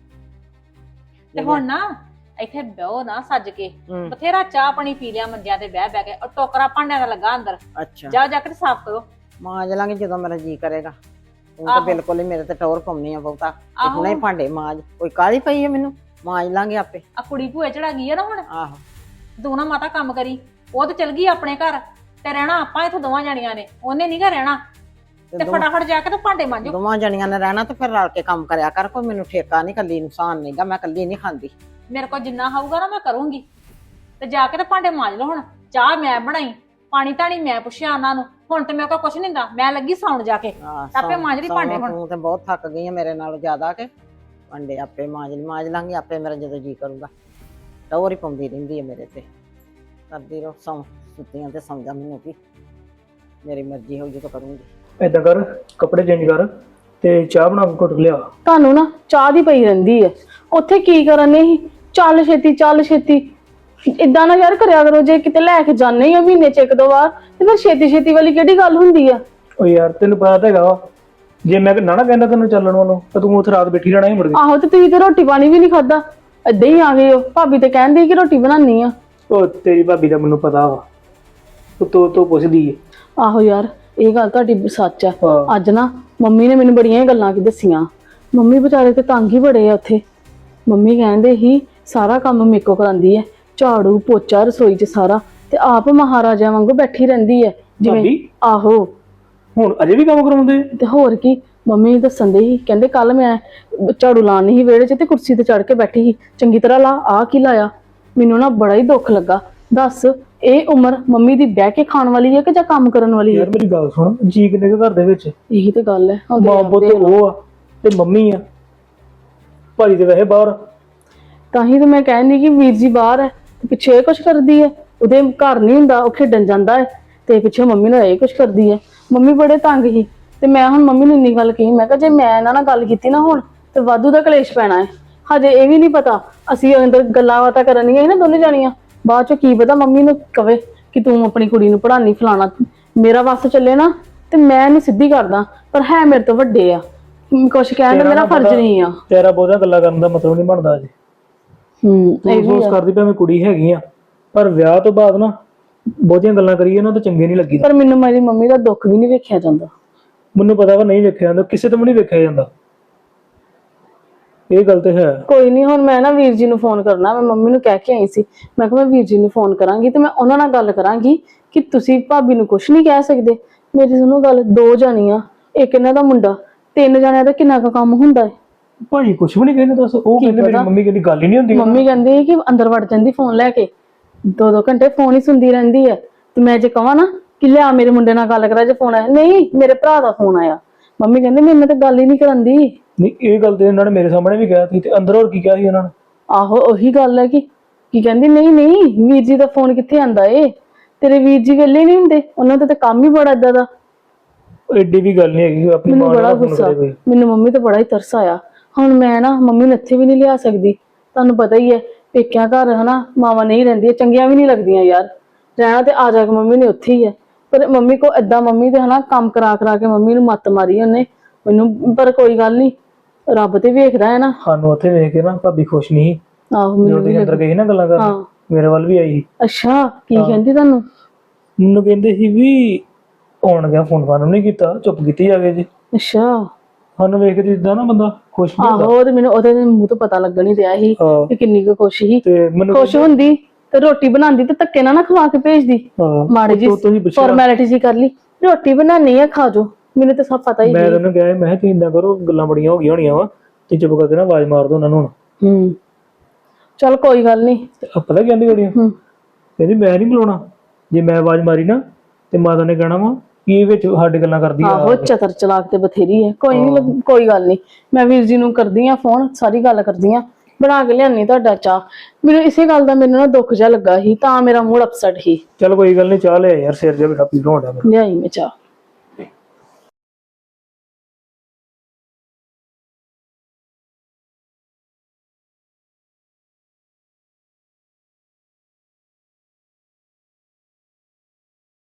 Speaker 3: ਤੇ ਹੁਣ ਨਾ ਇੱਥੇ ਬਹਿਓ ਨਾ ਸੱਜ ਕੇ,
Speaker 1: ਹੂੰ।
Speaker 3: ਬਥੇਰਾ ਚਾਹ ਪਾਣੀ ਪੀ ਲਿਆ ਮੰਜਿਆਂ ਤੇ ਬਹਿ ਬਹਿ ਕੇ, ਉਹ ਟੋਕਰਾ ਭਾਂਡਿਆਂ ਦਾ ਲੱਗਾ ਅੰਦਰ,
Speaker 1: ਅੱਛਾ
Speaker 3: ਜਾ ਜਾ ਕੇ ਸਾਫ਼ ਕਰੋ।
Speaker 1: ਮਾਂਜ ਲਾਂਗੇ ਜਦੋਂ ਮੇਰਾ ਜੀ ਕਰੇਗਾ। ਤੂੰ ਤਾਂ
Speaker 3: ਆਹੋ।
Speaker 1: ਬਿਲਕੁਲ ਹੀ ਮੇਰੇ ਤੇ ਟੌਰ ਪਾਉਣੀ ਆ ਬਹੁਤਾ। ਤੇ
Speaker 3: ਆਹੋ।
Speaker 1: ਹੁਣੇ ਭਾਂਡੇ ਮਾਂਜ, ਕੋਈ ਕਾਹਲੀ ਪਈ ਹੈ ਮੈਨੂੰ? ਮਾਂਜ ਲਾਂਗੇ ਆਪੇ।
Speaker 3: ਆ ਕੁੜੀ ਭੂਏ ਚੜਾ ਗਈ ਆ ਨਾ ਹੁਣ,
Speaker 1: ਆਹੋ
Speaker 3: ਤੂੰ ਨਾ ਮਾਤਾ ਕੰਮ ਕਰੀ। ਉਹ ਤੇ ਚਲ ਗਈ ਆਪਣੇ ਘਰ, ਤੇ ਰਹਿਣਾ ਆਪਾਂ ਇੱਥੇ ਦੋਵਾਂ ਜਾਣੀਆਂ ਨੇ, ਉਹਨੇ ਨੀ ਗਾ ਰਹਿਣਾ। ਤੇ ਫਟਾਫਟ ਜਾ ਕੇ ਤੇ ਭਾਂਡੇ ਮਾਂਜੋ।
Speaker 1: ਦੋਵਾਂ ਜਣੀਆਂ ਨੇ ਰਹਿਣਾ ਤੇ ਫਿਰ ਰਲ ਕੇ ਕੰਮ ਕਰਿਆ ਕਰ, ਕੋਈ ਮੈਨੂੰ ਠੇਕਾ ਨਹੀਂ, ਕੱਲੀ ਨੁਕਸਾਨ ਨਹੀਂਗਾ, ਮੈਂ ਕੱਲੀ ਨਹੀਂ ਖਾਂਦੀ।
Speaker 3: ਮੇਰੇ ਕੋਲ ਜਿੰਨਾ ਹੋਊਗਾ ਨਾ ਮੈਂ ਕਰੂੰਗੀ। ਤੇ ਜਾ ਕੇ ਤੇ ਭਾਂਡੇ ਮਾਂਜ ਲਓ ਹੁਣ। ਚਾਹ ਮੈਂ ਬਣਾਈ, ਪਾਣੀ ਧਾਣੀ ਮੈਂ ਪੁੱਛਿਆ ਉਹਨਾਂ ਨੂੰ, ਹੁਣ ਤੇ ਮੇਰੇ ਕੋਲ ਕੁਛ ਨਹੀਂ ਹੁੰਦਾ, ਮੈਂ ਲੱਗੀ ਸੌਣ ਜਾ ਕੇ। ਆਪੇ ਮਾਂਜ ਲਈ ਭਾਂਡੇ ਹੁਣ।
Speaker 1: ਤੂੰ ਤੇ ਬਹੁਤ ਥੱਕ ਗਈ ਆ ਮੇਰੇ ਨਾਲੋਂ ਜ਼ਿਆਦਾ, ਕੇ ਭਾਂਡੇ ਆਪੇ ਮਾਂਜ ਲਾਂਗੀ ਆਪੇ, ਮੇਰਾ ਜਦੋਂ ਜੀ ਕਰੂਗਾ। ਟੌਰ ਹੀ ਪਾਉਂਦੀ ਰਹਿੰਦੀ ਹੈ ਮੇਰੇ ਤੇ, ਕਰਦੀ ਰਹੋ। ਸੁੱਤੀਆਂ ਤੇ ਸੌਂ ਜਾ, ਮੈਨੂੰ ਕੀ ਮੇਰੀ ਮਰਜ਼ੀ ਹੋਊ ਜਦੋਂ ਕਰੂੰਗੀ।
Speaker 4: ਏਦਾਂ ਕਰ, ਕੱਪੜੇ ਚੇਂਜ ਕਰ ਤੇ ਚਾਹ ਬਣਾ ਕੇ ਘੁੱਟ ਲਿਆ।
Speaker 2: ਤੁਹਾਨੂੰ ਨਾ ਚਾਹ ਦੀ ਪਈ ਰਹਿੰਦੀ ਹੈ, ਉੱਥੇ ਕੀ ਕਰਨੇ ਸੀ? ਚੱਲ ਛੇਤੀ ਚੱਲ ਛੇਤੀ। ਇਦਾਂ ਨਾ ਯਾਰ ਕਰਿਆ ਕਰੋ, ਜੇ ਕਿਤੇ ਲੈ ਕੇ ਜਾਂਦੇ ਹੀ ਆ ਮਹੀਨੇ ਚ 1-2 ਵਾਰ, ਤੇ ਫਿਰ ਛੇਤੀ ਛੇਤੀ ਵਾਲੀ ਕਿਹੜੀ ਗੱਲ ਹੁੰਦੀ ਆ?
Speaker 4: ਓ ਯਾਰ ਤੈਨੂੰ ਪਤਾ ਤਾਂ ਹੈਗਾ ਵਾ, ਜੇ ਮੈਂ ਨਾ ਕਹਿੰਦਾ ਤੈਨੂੰ ਚੱਲਣ ਵੱਲੋਂ ਤਾਂ ਤੂੰ ਉੱਥੇ ਰਾਤ ਬੈਠੀ ਰਹਿਣਾ ਹੀ ਮੁੜ ਕੇ।
Speaker 2: ਆਹੋ, ਤੇ ਤੁਸੀਂ ਤੇ ਰੋਟੀ ਪਾਣੀ ਵੀ ਨਹੀਂ ਖਾਦਾ, ਏਦਾਂ ਹੀ ਆ ਗਏ ਹੋ। ਭਾਬੀ ਤੇ ਕਹਿੰਦੀ ਕਿ ਰੋਟੀ ਬਣਾਉਣੀ ਆ।
Speaker 4: ਉਹ ਤੇਰੀ ਭਾਬੀ ਦਾ ਮੈਨੂੰ ਪਤਾ ਵਾ, ਤੂੰ ਪੁੱਛਦੀ ਏ।
Speaker 2: ਆਹੋ ਯਾਰ, ਇਹ ਗੱਲ ਤੁਹਾਡੀ ਸੱਚ ਆ।
Speaker 4: ਹਾਂ।
Speaker 2: ਅੱਜ ਨਾ ਮੰਮੀ ਨੇ ਮੈਨੂੰ ਬੜੀਆਂ ਗੱਲਾਂ ਕੀ ਦੱਸੀਆਂ। ਮੰਮੀ ਵਿਚਾਰੇ ਤੇ ਤੰਗ ਹੀ ਬੜੇ ਆ ਉੱਥੇ। ਮੰਮੀ ਕਹਿੰਦੇ ਹੀ ਸਾਰਾ ਕੰਮ ਮੇਰੇ ਕੋ ਕਰਾਂਦੀ ਹੈ, ਝਾੜੂ ਪੋਚਾ ਰਸੋਈ 'ਚ ਸਾਰਾ, ਤੇ ਆਪ ਮਹਾਰਾਜਾ ਵਾਂਗੂ ਬੈਠੀ ਰਹਿੰਦੀ ਹੈ ਜਿਵੇਂ।
Speaker 4: ਭਾਬੀ
Speaker 2: ਆਹੋ,
Speaker 4: ਹੁਣ ਅਜੇ ਵੀ ਕੰਮ ਕਰਾਉਂਦੇ?
Speaker 2: ਤੇ ਹੋਰ ਕੀ, ਮੰਮੀ ਦੱਸਣ ਦੇ ਸੀ, ਕਹਿੰਦੇ ਕੱਲ ਮੈਂ ਝਾੜੂ ਲਾਉਣ ਨਹੀਂ ਸੀ ਵਿਹੜੇ 'ਚ ਤੇ ਕੁਰਸੀ ਤੇ ਚੜ ਕੇ ਬੈਠੀ ਸੀ, ਚੰਗੀ ਤਰ੍ਹਾਂ ਲਾ, ਆਹ ਕੀ ਲਾਇਆ। ਮੈਨੂੰ ਨਾ ਬੜਾ ਹੀ ਦੁੱਖ ਲੱਗਾ। ਦੱਸ, ਇਹ ਉਮਰ ਮੰਮੀ ਦੀ ਬਹਿ ਕੇ ਖਾਣ ਵਾਲੀ ਹੈ ਕਿ ਜਾਂ ਕੰਮ ਕਰਨ ਵਾਲੀ ਹੈ?
Speaker 4: ਯਾਰ ਮੇਰੀ ਗੱਲ ਸੁਣ, ਜੀ ਕਿੰਨੇ ਕੁ ਘਰ ਦੇ ਵਿੱਚ?
Speaker 2: ਇਹੀ ਤੇ ਗੱਲ ਹੈ। ਹੁਣ
Speaker 4: ਮਾਂ ਪੁੱਤ ਉਹ ਆ ਤੇ ਮੰਮੀ ਆ, ਭਾਜੀ ਤੇ ਵੈਸੇ ਬਾਹਰ।
Speaker 2: ਤਾਂ ਹੀ ਤਾਂ ਮੈਂ ਕਹਿੰਦੀ ਕਿ ਵੀਰ ਜੀ ਬਾਹਰ ਹੈ ਤੇ ਪਿੱਛੇ ਇਹ ਕੁਛ ਕਰਦੀ ਹੈ। ਉਹਦੇ ਘਰ ਨਹੀਂ ਹੁੰਦਾ, ਉਹ ਖੇਡਣ ਜਾਂਦਾ ਹੈ ਤੇ ਪਿੱਛੇ ਮੰਮੀ ਨਾਲ ਇਹ ਕੁਛ ਕਰਦੀ ਹੈ। ਮੰਮੀ ਬੜੇ ਤੰਗ ਸੀ ਤੇ ਮੈਂ ਹੁਣ ਮੰਮੀ ਨੂੰ ਇੰਨੀ ਗੱਲ ਕਹੀ, ਮੈਂ ਕਿਹਾ ਜੇ ਮੈਂ ਇਹਨਾਂ ਨਾਲ ਗੱਲ ਕੀਤੀ ਨਾ ਹੁਣ ਤੇ ਵਾਧੂ ਦਾ ਕਲੇਸ਼ ਪੈਣਾ ਹੈ। ਹਜੇ ਇਹ ਵੀ ਨਹੀਂ ਪਤਾ, ਅਸੀਂ ਅੰਦਰ ਗੱਲਾਂ ਬਾਤਾਂ ਕਰਨੀਆਂ ਸੀ ਨਾ ਦੋਨੇ ਜਾਣੀਆਂ, ਬਾਅਦ ਚ ਕੀ ਪਤਾ ਮੰਮੀ ਨੂੰ ਕਵੇ ਕਿ ਤੂੰ ਆਪਣੀ ਕੁੜੀ ਨੂੰ ਪੜ੍ਹਾਉਣੀ ਫਲਾਣਾ। ਮੇਰਾ ਵੱਸ ਚੱਲੇ ਨਾ ਤੇ ਮੈਂ ਇਹਨੂੰ ਸਿੱਧੀ ਕਰਦਾ, ਪਰ ਹੈ ਮੇਰੇ ਤੋਂ ਵੱਡੇ ਆ, ਕੁਛ ਕਹਿਣ ਦਾ ਮੇਰਾ ਫਰਜ਼ ਨਹੀਂ ਆ।
Speaker 4: ਤੇਰਾ ਬਹੁਤਾ ਗੱਲਾਂ ਕਰਨ ਦਾ ਮਤਲਬ ਨਹੀਂ ਬਣਦਾ ਅਜੇ। ਅਫਸੋਸ ਕਰਦੀ ਪਈ ਮੈਂ ਕੁੜੀ ਹੈਗੀ ਆ, ਪਰ ਵਿਆਹ ਤੋਂ ਬਾਅਦ ਨਾ ਬਹੁਤੀਆਂ ਗੱਲਾਂ ਕਰੀਏ ਨਾ ਤਾਂ ਚੰਗੇ ਨਹੀਂ ਲੱਗੀ।
Speaker 2: ਪਰ ਮੈਨੂੰ ਮੇਰੀ ਮੰਮੀ ਦਾ ਦੁੱਖ ਵੀ ਨਹੀਂ ਵੇਖਿਆ ਜਾਂਦਾ।
Speaker 4: ਮੈਨੂੰ ਪਤਾ ਵਾ ਨਹੀਂ ਵੇਖਿਆ ਜਾਂਦਾ, ਕਿਸੇ ਤੋਂ ਵੀ ਨਹੀਂ ਵੇਖਿਆ ਜਾਂਦਾ, ਇਹ ਗੱਲ ਤੇ ਹੈ।
Speaker 2: ਕੋਈ ਨਹੀਂ, ਹੁਣ ਮੈਂ ਨਾ ਵੀਰ ਜੀ ਨੂੰ ਫੋਨ ਕਰਨਾ। ਮੈਂ ਮੰਮੀ ਨੂੰ ਕਹਿ ਕੇ ਆਈ ਸੀ, ਮੈਂ ਕਿਹਾ ਮੈਂ ਵੀਰ ਜੀ ਨੂੰ ਫੋਨ ਕਰਾਂਗੀ ਤੇ ਮੈਂ ਉਹਨਾਂ ਨਾਲ ਗੱਲ ਕਰਾਂਗੀ ਕਿ ਤੁਸੀਂ ਭਾਬੀ ਨੂੰ ਕੁਝ ਨਹੀਂ ਕਹਿ ਸਕਦੇ। ਮੇਰੀ ਸੁਣੋ ਗੱਲ, 2 ਜਾਣੀਆਂ, ਇੱਕ ਇਹਨਾਂ ਦਾ ਮੁੰਡਾ, 3 ਜਾਣਿਆਂ ਦਾ ਕਿੰਨਾ ਕੁ ਕੰਮ ਹੁੰਦਾ ਹੈ।
Speaker 4: ਭਾਜੀ ਕੁਝ ਵੀ ਨਹੀਂ ਕਹਿੰਦੇ, ਦੱਸ। ਉਹ ਕਹਿੰਦੇ ਮੇਰੀ ਮੰਮੀ ਕਹਿੰਦੀ ਗੱਲ ਹੀ ਨਹੀਂ ਹੁੰਦੀ।
Speaker 2: ਮੰਮੀ ਕਹਿੰਦੀ ਕਿ ਅੰਦਰ ਵੜ ਜਾਂਦੀ ਫੋਨ ਲੈ ਕੇ, 2-2 ਘੰਟੇ ਫੋਨ ਹੀ ਸੁਣਦੀ ਰਹਿੰਦੀ ਹੈ। ਤੇ ਮੈਂ ਜੇ ਕਹਾਂ ਨਾ ਕਿ ਲਿਆ ਮੇਰੇ ਮੁੰਡੇ ਨਾਲ ਗੱਲ ਕਰਾ, ਜੇ ਫੋਨ ਆਇਆ, ਨਹੀਂ ਮੇਰੇ ਭਰਾ ਦਾ ਫੋਨ ਆਇਆ, ਮੰਮੀ ਕਹਿੰਦੇ ਮੇਰੇ ਨਾਲ ਤਾਂ ਗੱਲ ਹੀ ਨਹੀਂ ਕਰਾਂਦੀ।
Speaker 4: ਨਹੀਂ, ਇਹ ਗੱਲ ਤੇ ਇਹਨਾਂ ਨੇ ਮੇਰੇ ਸਾਹਮਣੇ ਵੀ ਕਿਹਾ ਸੀ ਤੇ ਅੰਦਰ ਹੋਰ ਕੀ ਕਿਹਾ ਸੀ ਇਹਨਾਂ ਨੇ?
Speaker 2: ਆਹੋ, ਉਹੀ ਗੱਲ ਹੈ ਕਿ ਕੀ ਕਹਿੰਦੀ, ਨਹੀਂ ਵੀਰ ਜੀ ਦਾ ਫੋਨ ਕਿੱਥੇ ਆਂਦਾ ਏ, ਤੇਰੇ ਵੀਰ ਜੀ ਵੇਲੇ ਨਹੀਂ ਹੁੰਦੇ, ਉਹਨਾਂ ਦਾ ਤਾਂ ਕੰਮ ਹੀ ਬੜਾ ਏਦਾਂ ਦਾ।
Speaker 4: ਐਡੀ ਵੀ ਗੱਲ ਨਹੀਂ ਹੈਗੀ ਆਪਣੀ
Speaker 2: ਮੈਨੂੰ
Speaker 4: ਮਾਂ
Speaker 2: ਬੜਾ
Speaker 4: ਨਾਲ ਫੋਨ
Speaker 2: ਗੁੱਸਾ,
Speaker 4: ਕਰੇ ਕੋਈ।
Speaker 2: ਮੈਨੂੰ ਮੰਮੀ ਤੇ ਬੜਾ ਹੀ ਤਰਸ ਆਇਆ। ਹੁਣ ਮੈਂ ਨਾ ਮੰਮੀ ਨੂੰ ਇੱਥੇ ਵੀ ਨਹੀਂ ਲਿਆ ਸਕਦੀ, ਤੁਹਾਨੂੰ ਪਤਾ ਹੀ ਹੈ ਪੇਕਿਆਂ ਘਰ ਹਨਾ ਮਾਵਾਂ ਨਹੀਂ ਰਹਿੰਦੀਆਂ, ਚੰਗੀਆਂ ਵੀ ਨਹੀਂ ਲੱਗਦੀਆਂ ਯਾਰ, ਰਹਿਣਾ ਤੇ ਆ ਜਾ ਕੇ ਮੰਮੀ ਨੇ ਉੱਥੇ ਹੀ ਹੈ। ਪਰ ਮੰਮੀ ਕੋ ਏਦਾਂ, ਮੰਮੀ ਦੇ ਹਨਾ ਕੰਮ ਕਰਾ ਕੇ ਮੰਮੀ ਨੂੰ ਮੱਤ ਮਾਰੀ ਉਹਨੇ ਮੈਨੂੰ। ਪਰ ਕੋਈ ਗੱਲ ਨਹੀਂ, ਰੱਬ ਤੇ ਵੇਖਦਾ ਹੈ ਨਾ।
Speaker 4: ਸਾਨੂੰ ਉੱਥੇ ਵੇਖ ਕੇ ਨਾ ਭਾਬੀ ਖੁਸ਼ ਨਹੀਂ ਸੀ।
Speaker 2: ਆਹੋ, ਮੈਨੂੰ ਵੀ
Speaker 4: ਅੰਦਰ ਗਈ ਨਾ ਗੱਲਾਂ ਕਰ,
Speaker 2: ਹਾਂ।
Speaker 4: ਮੇਰੇ ਵੱਲ ਵੀ ਆਈ।
Speaker 2: ਅੱਛਾ, ਕੀ ਕਹਿੰਦੀ ਤੁਹਾਨੂੰ?
Speaker 4: ਮੈਨੂੰ ਕਹਿੰਦੇ ਸੀ ਵੀ ਆਉਣ ਗਿਆ, ਫੋਨ ਫਾਨ ਨਹੀਂ ਕੀਤਾ, ਚੁੱਪ ਕੀਤੀ ਜਾਵੇ ਜੀ।
Speaker 2: ਅੱਛਾ,
Speaker 4: ਸਾਨੂੰ ਵੇਖ ਕੇ ਜਿੱਦਾਂ ਨਾ ਬੰਦਾ ਖੁਸ਼ ਨਹੀਂ ਹੁੰਦਾ।
Speaker 2: ਆਹੋ, ਉਹ ਤੇ ਮੈਨੂੰ ਉਹਦੇ ਮੂੰਹ ਤੋਂ ਪਤਾ ਲੱਗਣ ਹੀ ਰਿਹਾ ਸੀ
Speaker 4: ਹਾਂ।
Speaker 2: ਕਿ ਕਿੰਨੀ ਕੁ ਖੁਸ਼ ਸੀ।
Speaker 4: ਤੇ ਮੈਨੂੰ
Speaker 2: ਖੁਸ਼ ਹੁੰਦੀ ਤੇ ਰੋਟੀ ਬਣਾਉਂਦੀ ਤੇ ਧੱਕੇ ਨਾਲ ਨਾ ਖਵਾ ਕੇ ਭੇਜਦੀ।
Speaker 4: ਹਾਂ,
Speaker 2: ਮਾੜੀ ਜੀ
Speaker 4: ਉੱਤੋਂ ਦੀ ਪੁੱਛਿਆ।
Speaker 2: ਫਾਰਮੈਲਿਟੀ ਜੀ ਕਰ ਲਈ, ਰੋਟੀ ਬਣਾਉਣੀ ਆ ਖਾ ਜਾਓ, ਮੈਨੂੰ ਤਾਂ ਸਭ ਪਤਾ ਹੀ
Speaker 4: ਮੈਂ
Speaker 2: ਸੀ।
Speaker 4: ਤੈਨੂੰ ਕਿਹਾ, ਮੈਂ ਕਿਹਾ ਤੁਸੀਂ ਏਦਾਂ ਕਰੋ, ਗੱਲਾਂ ਬੜੀਆਂ ਹੋ ਗਈਆਂ ਹੋਣੀਆਂ ਵਾ ਤੇ ਚੁੱਪ ਕਰਕੇ ਨਾ ਆਵਾਜ਼ ਮਾਰ ਦੋ ਉਹਨਾਂ ਨੂੰ ਹੁਣ।
Speaker 2: ਚਲ ਕੋਈ ਗੱਲ ਨਹੀਂ।
Speaker 4: ਪਤਾ ਕੀ ਕਹਿੰਦੀ ਗੜੀਆਂ, ਕਹਿੰਦੀ ਮੈਂ ਨਹੀਂ ਬੁਲਾਉਣਾ, ਜੇ ਮੈਂ ਆਵਾਜ਼ ਮਾਰੀ ਨਾ ਤੇ ਮਾਤਾ ਨੇ ਕਹਿਣਾ ਵਾ ਕੀ ਵਿੱਚ ਸਾਡੇ ਗੱਲਾਂ ਕਰਦੀ ਆ।
Speaker 2: ਆਹੋ, ਚਤਰ ਚਲਾਕ ਤੇ ਬਥੇਰੀ ਹੈ। ਕੋਈ ਨਹੀਂ, ਕੋਈ ਗੱਲ ਨਹੀਂ, ਮੈਂ ਵੀਰ ਜੀ ਨੂੰ ਕਰਦੀ ਆ ਫੋਨ, ਸਾਰੀ ਗੱਲ ਕਰਦੀ ਆ, ਬਣਾ ਕੇ ਲਿਆਨੀ ਤੁਹਾਡਾ ਚਾਹ। ਮੈਨੂੰ ਇਸੇ ਗੱਲ ਦਾ ਮੈਨੂੰ ਨਾ ਦੁੱਖ ਜਿਹਾ ਲੱਗਾ ਸੀ, ਤਾਂ ਮੇਰਾ ਮੂਡ ਅਪਸੈਟ ਸੀ।
Speaker 4: ਚਲ ਕੋਈ ਗੱਲ ਨਹੀਂ, ਚਾਹ ਲਿਆ ਯਾਰ, ਸਿਰ ਜਿਹਾ ਬੜਾ ਪੀੜ ਹੋਣ ਡਿਆ ਮੇਰਾ।
Speaker 2: ਲਿਆਈ ਮੈਂ ਚਾਹ।